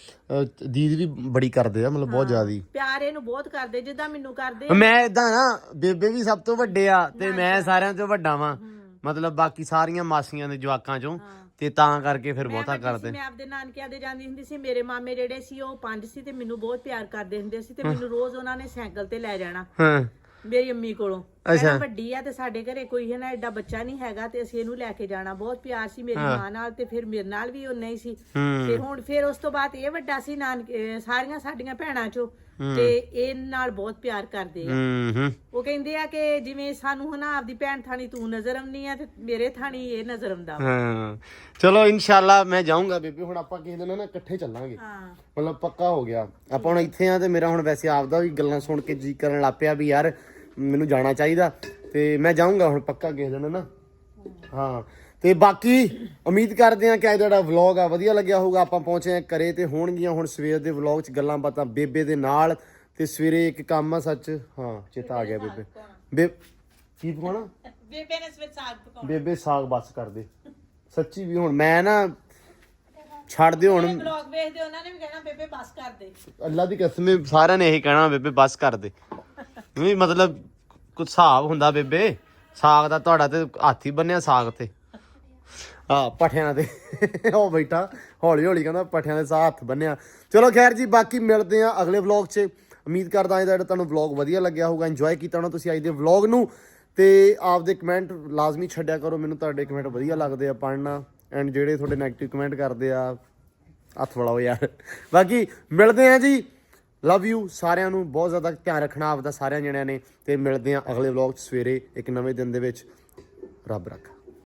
Speaker 1: ਦੀਦੀ ਵੀ ਬੜੀ ਕਰਦੇ ਆ, ਮਤਲਬ ਬਹੁਤ ਜ਼ਿਆਦੀ
Speaker 3: ਪਿਆਰ ਇਹਨੂੰ ਬਹੁਤ ਕਰਦੇ, ਜਿੱਦਾਂ ਮੈਨੂੰ ਕਰਦੇ।
Speaker 1: ਮੈਂ ਇਦਾਂ ਨਾ, ਬੇਬੇ ਵੀ ਸਭ ਤੋਂ ਵੱਡੇ ਆ ਤੇ ਮੈਂ ਸਾਰਿਆਂ ਤੋਂ ਵੱਡਾ ਵਾਂ, ਮਤਲਬ ਬਾਕੀ ਸਾਰੀਆਂ ਮਾਸੀਆਂ ਦੇ ਜਵਾਕਾਂ ਚੋਂ। ਤੇ ਤਾਂ ਕਰਕੇ ਫਿਰ ਬਹੁਤਾ ਕਰਦੇ।
Speaker 3: ਮੈਂ ਆਪਦੇ ਨਾਨਕਿਆਂ ਦੇ ਜਾਂਦੀ ਹੁੰਦੀ ਸੀ, ਮੇਰੇ ਮਾਮੇ ਜਿਹੜੇ ਸੀ ਉਹ 5 ਸੀ ਤੇ ਮੈਨੂੰ ਬਹੁਤ ਪਿਆਰ ਕਰਦੇ ਹੁੰਦੇ ਸੀ। ਤੇ ਮੈਨੂੰ ਰੋਜ਼ ਉਹਨਾਂ ਨੇ ਸਾਈਕਲ ਤੇ ਲੈ ਜਾਣਾ
Speaker 1: ਹਾਂ
Speaker 3: ਮੇਰੀ ਅੰਮੀ ਕੋਲੋਂ। ਅੱਛਾ, ਵੱਡੀ ਆ ਤੇ ਸਾਡੇ ਘਰੇ ਕੋਈ ਨਾ ਐਡਾ ਬੱਚਾ ਨਹੀਂ ਹੈਗਾ, ਤੇ ਅਸੀਂ ਇਹਨੂੰ ਲੈ ਕੇ ਜਾਣਾ। ਬਹੁਤ ਪਿਆਰ ਸੀ ਮੇਰੀ ਮਾਂ ਨਾਲ, ਤੇ ਫਿਰ ਮੇਰੇ ਨਾਲ ਵੀ ਉਨਾ ਹੀ ਸੀ। ਤੇ ਹੁਣ ਫਿਰ ਉਸ ਤੋਂ ਬਾਅਦ ਇਹ ਵੱਡਾ ਸੀ ਨਾਨਕੇ ਸਾਰੀਆਂ ਸਾਡੀਆਂ ਭੈਣਾਂ ਚੋਂ, ਤੇ ਇਹ ਨਾਲ ਬਹੁਤ ਪਿਆਰ ਕਰਦੇ ਆ। ਉਹ ਕਹਿੰਦੇ ਆ ਕਿ ਜਿਵੇਂ ਸਾਨੂੰ ਹਨਾ ਆਪਦੀ ਭੈਣ ਥਾਣੀ ਤੂੰ ਨਜ਼ਰ ਆਉਂਦੀ ਆ, ਤੇ ਮੇਰੇ ਥਾਣੀ ਇਹ ਨਜ਼ਰ ਆਉਂਦਾ।
Speaker 1: ਹਾਂ, ਚਲੋ ਇਨਸ਼ਾਅੱਲਾ ਮੈਂ ਜਾਊਂਗਾ ਬੇਬੇ। ਹੁਣ ਆਪਾਂ ਕਿਸੇ ਦਿਨ ਨਾ ਇਕੱਠੇ ਚੱਲਾਂਗੇ, ਮਤਲਬ ਪੱਕਾ ਹੋ ਗਿਆ। ਆਪਾਂ ਹੁਣ ਇੱਥੇ ਆ ਤੇ ਮੇਰਾ ਹੁਣ ਵੈਸੇ ਆਪਦਾ ਵੀ ਗੱਲਾਂ ਸੁਣ ਕੇ ਜੀ ਕਰਨ ਲੱਗ ਪਿਆ ਵੀ ਯਾਰ ਮੈਨੂੰ ਜਾਣਾ ਚਾਹੀਦਾ। ਤੇ ਮੈਂ ਜਾਊਂਗਾ ਹੁਣ ਪੱਕਾ ਕਿਸੇ ਦਿਨ ਨਾ। ਹਾਂ, ਤੇ ਬਾਕੀ ਉਮੀਦ ਕਰਦੇ ਆ ਕਿ ਅੱਜ ਜਿਹੜਾ ਵਲੌਗ ਆ ਵਧੀਆ ਲੱਗਿਆ ਹੋਊਗਾ। ਆਪਾਂ ਪਹੁੰਚੇ ਆ ਘਰੇ ਤੇ ਹੋਣਗੀਆਂ ਹੁਣ ਸਵੇਰ ਦੇ ਵਲੌਗ 'ਚ ਗੱਲਾਂ ਬਾਤਾਂ ਬੇਬੇ ਦੇ ਨਾਲ। ਤੇ ਸਵੇਰੇ ਇੱਕ ਕੰਮ ਆ ਸੱਚ, ਹਾਂ ਚੇਤਾ ਆ ਗਿਆ ਬੇਬੇ ਕੀ ਪਕਾਉਣਾ?
Speaker 3: ਬੇਬੇ ਨੇ ਸਵੇਰ ਸਾਗ ਪਕਾਉਣਾ।
Speaker 1: ਬੇਬੇ ਸਾਗ ਬਸ ਕਰਦੇ ਸੱਚੀ। ਵੀ ਹੁਣ ਮੈਂ ਨਾ ਛੱਡ ਦਿਓ ਹੁਣ।
Speaker 3: ਵਲੌਗ ਵੇਖਦੇ ਉਹਨਾਂ ਨੇ ਵੀ ਕਹਿਣਾ ਬੇਬੇ ਬਸ ਕਰ ਦੇ।
Speaker 1: ਅੱਲਾ ਦੀ ਕਸਮ ਸਾਰਿਆਂ ਨੇ ਇਹੀ ਕਹਿਣਾ ਬੇਬੇ ਬਸ ਕਰ ਦੇ। ਵੀ ਮਤਲਬ ਕੁਝ ਹਿਸਾਬ ਹੁੰਦਾ ਬੇਬੇ। ਸਾਗ ਦਾ ਤੁਹਾਡਾ ਤੇ ਹੱਥ ਹੀ ਬੰਨਿਆ ਸਾਗ ਤੇ। ਪੱਠਿਆਂ ਤੇ ਉਹ ਬੈਠਾ ਹੌਲੀ ਹੌਲੀ ਕਹਿੰਦਾ ਪੱਠਿਆਂ ਦੇ ਸਾਹ ਹੱਥ ਬੰਨਿਆ। ਚਲੋ ਖੈਰ ਜੀ, ਬਾਕੀ ਮਿਲਦੇ ਆ ਅਗਲੇ ਵਲੌਗ 'ਚ। ਉਮੀਦ ਕਰਦਾ ਅੱਜ ਦਾ ਜਿਹੜਾ ਤੁਹਾਨੂੰ ਵਲੌਗ ਵਧੀਆ ਲੱਗਿਆ ਹੋਊਗਾ, ਇੰਜੋਏ ਕੀਤਾ ਹੋਣਾ ਤੁਸੀਂ ਅੱਜ ਦੇ ਵਲੌਗ ਨੂੰ। ਤੇ ਆਪਦੇ ਕਮੈਂਟ ਲਾਜ਼ਮੀ ਛੱਡਿਆ ਕਰੋ, ਮੈਨੂੰ ਤੁਹਾਡੇ ਕਮੈਂਟ ਵਧੀਆ ਲੱਗਦੇ ਆ ਪੜ੍ਹਨਾ। ਐਂਡ ਜਿਹੜੇ ਤੁਹਾਡੇ ਨੈਗੇਟਿਵ ਕਮੈਂਟ ਕਰਦੇ ਆ ਹੱਥ ਵੜਾਓ ਯਾਰ। ਬਾਕੀ ਮਿਲਦੇ ਆ ਜੀ, ਲਵ ਯੂ ਸਾਰਿਆਂ ਨੂੰ, ਬਹੁਤ ਜ਼ਿਆਦਾ ਧਿਆਨ ਰੱਖਣਾ ਆਪਦਾ ਸਾਰਿਆਂ ਜਣਿਆਂ ਨੇ। ਤੇ ਮਿਲਦੇ ਆ ਅਗਲੇ ਵਲੌਗ 'ਚ ਸਵੇਰੇ ਇੱਕ ਨਵੇਂ ਦਿਨ ਦੇ ਵਿੱਚ। ਰੱਬ ਰੱਖਾ।